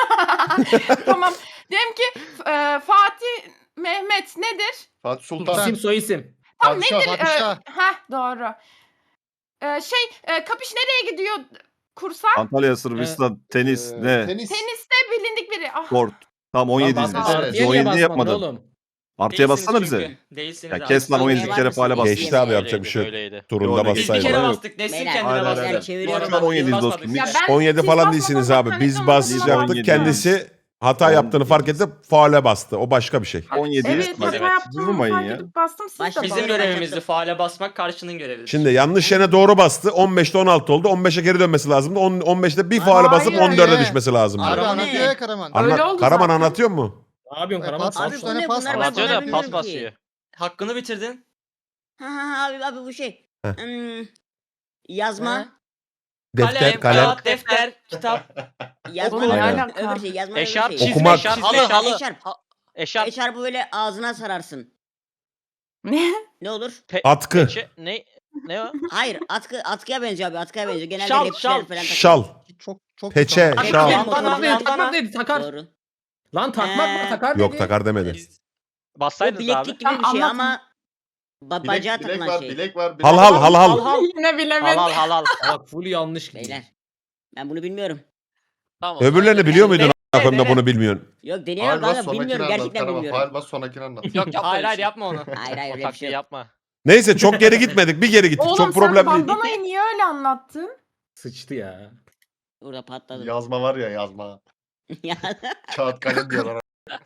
[SPEAKER 2] Tamam. Diyelim ki e, Fatih Mehmet nedir?
[SPEAKER 10] Fatih Sultan.
[SPEAKER 7] İsim soy isim.
[SPEAKER 2] Tam
[SPEAKER 8] Padişah,
[SPEAKER 2] nedir? Ee,
[SPEAKER 8] padişah.
[SPEAKER 2] heh, doğru. Ee, şey e, kapış nereye gidiyor kursa?
[SPEAKER 9] Antalya, Sırbistan, tenis
[SPEAKER 10] Ee,
[SPEAKER 9] ne?
[SPEAKER 10] Tenis.
[SPEAKER 2] Teniste bilindik biri. Ah.
[SPEAKER 9] Sport. Tamam on yedi
[SPEAKER 7] Lan
[SPEAKER 9] izle.
[SPEAKER 7] basma,
[SPEAKER 10] Evet.
[SPEAKER 7] Artıya niye
[SPEAKER 9] on yedi
[SPEAKER 7] basmadın
[SPEAKER 9] yapmadın.
[SPEAKER 7] oğlum?
[SPEAKER 9] Artıya
[SPEAKER 5] Değilsiniz
[SPEAKER 9] bassana
[SPEAKER 5] çünkü.
[SPEAKER 9] bize.
[SPEAKER 5] Değilsiniz
[SPEAKER 9] Ya
[SPEAKER 5] abi.
[SPEAKER 9] kes lan on yedi
[SPEAKER 3] Var
[SPEAKER 9] kere
[SPEAKER 3] mısın?
[SPEAKER 9] faale bas.
[SPEAKER 3] Geçti.
[SPEAKER 1] Geçti abi yapacak bir şey yok.
[SPEAKER 9] Yo,
[SPEAKER 1] Turunda
[SPEAKER 9] ne
[SPEAKER 5] Biz bir
[SPEAKER 1] bassaydı.
[SPEAKER 5] kere
[SPEAKER 9] Yok.
[SPEAKER 5] bastık. Nesin
[SPEAKER 3] Beyler,
[SPEAKER 5] kendine
[SPEAKER 9] hayır,
[SPEAKER 5] bastı.
[SPEAKER 9] hayır,
[SPEAKER 3] Ben çeviriyorum.
[SPEAKER 9] Şu an on yedi
[SPEAKER 5] Biz
[SPEAKER 9] dostum.
[SPEAKER 5] basmadık.
[SPEAKER 2] Ya
[SPEAKER 9] Hiç-
[SPEAKER 2] ben-
[SPEAKER 1] on yedi
[SPEAKER 2] siz
[SPEAKER 1] falan
[SPEAKER 2] basmadan
[SPEAKER 1] değilsiniz
[SPEAKER 2] zaten
[SPEAKER 1] abi. Biz
[SPEAKER 2] ekranı
[SPEAKER 1] basacaktık
[SPEAKER 9] on yedi.
[SPEAKER 1] kendisi hata yaptığını fark edip faale bastı. O başka bir şey.
[SPEAKER 9] on yedi
[SPEAKER 2] Evet,
[SPEAKER 9] bak.
[SPEAKER 2] hata yaptığımı
[SPEAKER 9] Vurmayın
[SPEAKER 2] fark
[SPEAKER 9] ya.
[SPEAKER 2] edip bastım, siz de
[SPEAKER 3] Başka-
[SPEAKER 5] Bizim
[SPEAKER 2] bastınız.
[SPEAKER 5] görevimizdi faale basmak, karşının görevidir.
[SPEAKER 1] Şimdi yanlış yerine doğru bastı. on beşte on altı oldu. on beşe geri dönmesi lazımdı. on, on beşte bir faale basıp
[SPEAKER 2] Hayır.
[SPEAKER 1] on dörde düşmesi lazımdı.
[SPEAKER 8] Abi
[SPEAKER 3] Karaman
[SPEAKER 8] anlatıyor
[SPEAKER 3] ne?
[SPEAKER 8] ya Karaman.
[SPEAKER 1] Anlat,
[SPEAKER 2] Öyle oldu
[SPEAKER 1] Karaman
[SPEAKER 2] zaten.
[SPEAKER 1] anlatıyor mu?
[SPEAKER 7] Ne yapıyorsun
[SPEAKER 8] E,
[SPEAKER 7] Karaman?
[SPEAKER 8] pas-
[SPEAKER 3] Abi
[SPEAKER 8] Üç
[SPEAKER 3] bu
[SPEAKER 8] tane
[SPEAKER 3] ne?
[SPEAKER 8] pas
[SPEAKER 3] Bunlar
[SPEAKER 8] var.
[SPEAKER 3] ben
[SPEAKER 4] Anlatıyor
[SPEAKER 3] bunları
[SPEAKER 4] da pas
[SPEAKER 3] bilmiyorum ki.
[SPEAKER 4] basıyor.
[SPEAKER 5] Hakkını bitirdin.
[SPEAKER 3] Ha ha abi abi bu şey.
[SPEAKER 1] Heh.
[SPEAKER 3] Hmm, yazma.
[SPEAKER 1] Defter,
[SPEAKER 5] Kalem,
[SPEAKER 1] kalem.
[SPEAKER 5] kağıt, defter, kitap.
[SPEAKER 3] Yazma.
[SPEAKER 2] Oğlum,
[SPEAKER 1] ne
[SPEAKER 3] öbür-
[SPEAKER 2] alaka?
[SPEAKER 3] Öbür şey yazma. öbür
[SPEAKER 4] Eşarp,
[SPEAKER 3] şey.
[SPEAKER 4] çizme,
[SPEAKER 1] Okumak.
[SPEAKER 4] eşarp,
[SPEAKER 6] Halı
[SPEAKER 4] eşarp,
[SPEAKER 6] halı.
[SPEAKER 3] Eşarp.
[SPEAKER 4] eşarp,
[SPEAKER 3] Eşarpı böyle ağzına sararsın.
[SPEAKER 2] Ne?
[SPEAKER 3] Ne olur?
[SPEAKER 4] pe-
[SPEAKER 1] Atkı.
[SPEAKER 4] peçe- ne ne o?
[SPEAKER 3] Hayır atkı atkıya benziyor abi atkıya benziyor. Genelde
[SPEAKER 5] Şal,
[SPEAKER 3] rapçiler
[SPEAKER 5] şal,
[SPEAKER 3] falan takıyor.
[SPEAKER 1] Şal.
[SPEAKER 8] Çok çok
[SPEAKER 1] Peçe,
[SPEAKER 8] güzel.
[SPEAKER 1] şal.
[SPEAKER 3] Takmak,
[SPEAKER 5] Bandana,
[SPEAKER 3] motorcu.
[SPEAKER 7] Takmak, takmak
[SPEAKER 5] bandana.
[SPEAKER 7] dedi, takar.
[SPEAKER 3] Doğru.
[SPEAKER 7] Lan takmak mı
[SPEAKER 3] Ee,
[SPEAKER 7] takar dedi.
[SPEAKER 1] Yok takar demedi.
[SPEAKER 3] O
[SPEAKER 4] Bassaydınız abi.
[SPEAKER 3] bileklik gibi bir
[SPEAKER 2] Tamam,
[SPEAKER 3] şey
[SPEAKER 2] anlatın.
[SPEAKER 3] ama Ba-
[SPEAKER 10] Bilek,
[SPEAKER 3] bacağa
[SPEAKER 10] bilek
[SPEAKER 3] takılan
[SPEAKER 10] var,
[SPEAKER 3] şey.
[SPEAKER 10] bilek var. Bilek
[SPEAKER 1] Hal hal hal hal.
[SPEAKER 5] Hal
[SPEAKER 2] Yine bilemedim.
[SPEAKER 5] halal halal.
[SPEAKER 7] Bak full yanlış gidiyor.
[SPEAKER 3] Beyler. Ben bunu bilmiyorum.
[SPEAKER 6] Tamam.
[SPEAKER 1] Öbürlerini biliyor muydun?
[SPEAKER 5] Dene,
[SPEAKER 1] A**ım da
[SPEAKER 5] dene.
[SPEAKER 1] bunu bilmiyorsun.
[SPEAKER 3] Yok deniyorum
[SPEAKER 10] Faal bas
[SPEAKER 3] kanka
[SPEAKER 10] sonrakini
[SPEAKER 3] bilmiyorum
[SPEAKER 10] anlat.
[SPEAKER 3] gerçekten
[SPEAKER 10] Karama,
[SPEAKER 3] bilmiyorum.
[SPEAKER 10] faal bas sonrakini anlat.
[SPEAKER 6] Yok yapma.
[SPEAKER 5] Hayır
[SPEAKER 6] öyle
[SPEAKER 5] hayır
[SPEAKER 6] şey.
[SPEAKER 5] yapma onu.
[SPEAKER 3] Hayır hayır
[SPEAKER 6] O
[SPEAKER 3] öyle bir
[SPEAKER 6] taktiği
[SPEAKER 3] şey yok.
[SPEAKER 6] yapma.
[SPEAKER 1] Neyse çok geri gitmedik. Bir geri gittik.
[SPEAKER 2] Oğlum
[SPEAKER 1] Çok
[SPEAKER 2] sen
[SPEAKER 1] problem değil.
[SPEAKER 2] bandanayı niye öyle anlattın?
[SPEAKER 7] Sıçtı ya.
[SPEAKER 3] Burada patladım.
[SPEAKER 10] Yazma var ya yazma.
[SPEAKER 3] Ya.
[SPEAKER 10] Kağıt kalem diyorlar.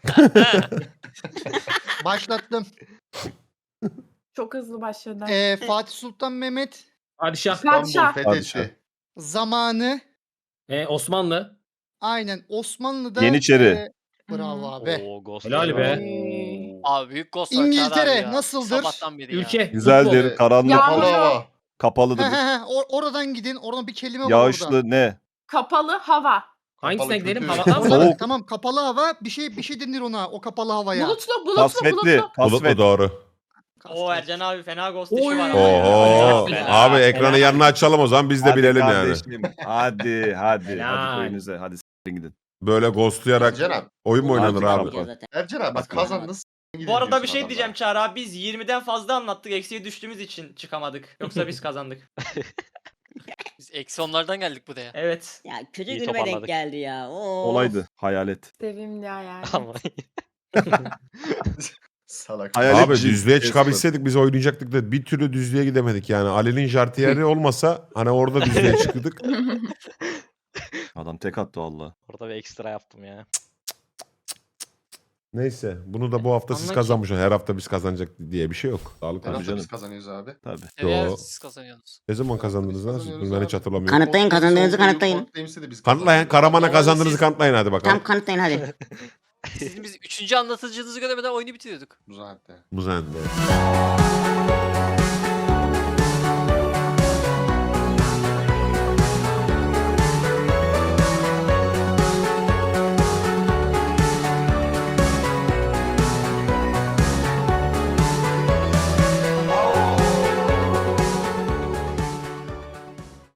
[SPEAKER 8] Başlattım.
[SPEAKER 2] Çok hızlı başladı.
[SPEAKER 8] Ee, Fatih Sultan Mehmet
[SPEAKER 7] Padişah.
[SPEAKER 10] İstanbul
[SPEAKER 2] Padişah.
[SPEAKER 10] fethetti.
[SPEAKER 8] zamanı
[SPEAKER 7] E, Osmanlı.
[SPEAKER 8] aynen Osmanlı'da
[SPEAKER 9] Yeniçeri.
[SPEAKER 8] e, bravo abi.
[SPEAKER 6] Oo, Ghost
[SPEAKER 7] Helal
[SPEAKER 6] Rider.
[SPEAKER 7] be.
[SPEAKER 2] Ee,
[SPEAKER 6] Abi büyük Ghost Rider
[SPEAKER 8] İngiltere
[SPEAKER 6] abi ya.
[SPEAKER 8] nasıldır?
[SPEAKER 6] Sabahtan beri ya.
[SPEAKER 7] Ülke.
[SPEAKER 9] Güzeldir,
[SPEAKER 10] Futbol.
[SPEAKER 9] karanlık,
[SPEAKER 2] Ya-
[SPEAKER 10] Kapalı hava.
[SPEAKER 9] kapalıdır,
[SPEAKER 8] He he he, or- oradan gidin. Oradan bir kelime var
[SPEAKER 9] yağışlı
[SPEAKER 8] orada.
[SPEAKER 9] ne?
[SPEAKER 2] Kapalı hava.
[SPEAKER 7] Hangisine
[SPEAKER 10] Kapalı
[SPEAKER 7] gidelim?
[SPEAKER 10] kültür.
[SPEAKER 7] Havadan mı?
[SPEAKER 8] Tamam,
[SPEAKER 9] Soğuk.
[SPEAKER 8] tamam kapalı hava bir şey bir şey denir ona o kapalı havaya.
[SPEAKER 2] Bulutlu, bulutlu,
[SPEAKER 9] Kasvetli,
[SPEAKER 2] bulutlu.
[SPEAKER 1] Bulutlu
[SPEAKER 9] kasvet.
[SPEAKER 1] doğru.
[SPEAKER 5] O Ercan abi fena ghost
[SPEAKER 7] Oy.
[SPEAKER 5] işi var ama.
[SPEAKER 1] Oho.
[SPEAKER 7] Helal.
[SPEAKER 1] Abi ekranı yanına açalım o zaman biz de
[SPEAKER 9] Hadi
[SPEAKER 1] bilelim yani.
[SPEAKER 9] kardeşim, Hadi hadi
[SPEAKER 7] Helal.
[SPEAKER 9] hadi köyünüze hadi s**tin gidin.
[SPEAKER 1] Böyle ghostlayarak
[SPEAKER 10] Ercan abi.
[SPEAKER 1] oyun mu oynanır
[SPEAKER 9] Artık
[SPEAKER 1] abi?
[SPEAKER 9] kapat.
[SPEAKER 3] Zaten.
[SPEAKER 10] Ercan abi bak kazandın.
[SPEAKER 5] Bu arada bir şey diyeceğim Çağrı abi, biz yirmiden fazla anlattık, eksiye düştüğümüz için çıkamadık. Yoksa biz kazandık.
[SPEAKER 6] Biz eksi onlardan geldik buraya.
[SPEAKER 5] Evet.
[SPEAKER 3] Ya kötü
[SPEAKER 6] İyi
[SPEAKER 3] günüme denk
[SPEAKER 6] toparladık.
[SPEAKER 3] geldi ya. Oo.
[SPEAKER 9] Olaydı, hayalet.
[SPEAKER 2] Sevimli hayal.
[SPEAKER 6] Ama
[SPEAKER 10] Salak.
[SPEAKER 9] Hayalet
[SPEAKER 1] Abi
[SPEAKER 9] cin,
[SPEAKER 1] düzlüğe
[SPEAKER 9] Esmer.
[SPEAKER 1] çıkabilseydik biz oynayacaktık da bir türlü düzlüğe gidemedik yani. Ali'nin jartiyeri olmasa hani orada düzlüğe çıktık.
[SPEAKER 9] Adam tek attı valla.
[SPEAKER 6] orada bir ekstra yaptım ya.
[SPEAKER 1] Neyse bunu da bu hafta siz
[SPEAKER 5] Anla ki-
[SPEAKER 1] kazanmışsınız. Her hafta biz kazanacak diye bir şey yok. Sağlık
[SPEAKER 10] Her
[SPEAKER 1] olsun.
[SPEAKER 10] hafta
[SPEAKER 9] canım.
[SPEAKER 10] biz kazanıyoruz abi.
[SPEAKER 9] Tabii.
[SPEAKER 6] Evet
[SPEAKER 1] Yo.
[SPEAKER 6] siz kazanıyorsunuz.
[SPEAKER 1] Ne zaman kazandınız lan? siz? Dur, ben hiç hatırlamıyorum.
[SPEAKER 3] Kanıtlayın, kazandığınızı kanıtlayın.
[SPEAKER 1] Kanıtlayın. Karaman'a
[SPEAKER 6] Oğlum
[SPEAKER 1] kazandığınızı
[SPEAKER 6] siz-
[SPEAKER 1] kanıtlayın hadi
[SPEAKER 3] Tam
[SPEAKER 1] bakalım.
[SPEAKER 3] kanıtlayın hadi.
[SPEAKER 6] Sizin biz üçüncü anlatıcınızı göremeden oyunu bitiriyorduk.
[SPEAKER 10] Bu zaten.
[SPEAKER 1] Muzende.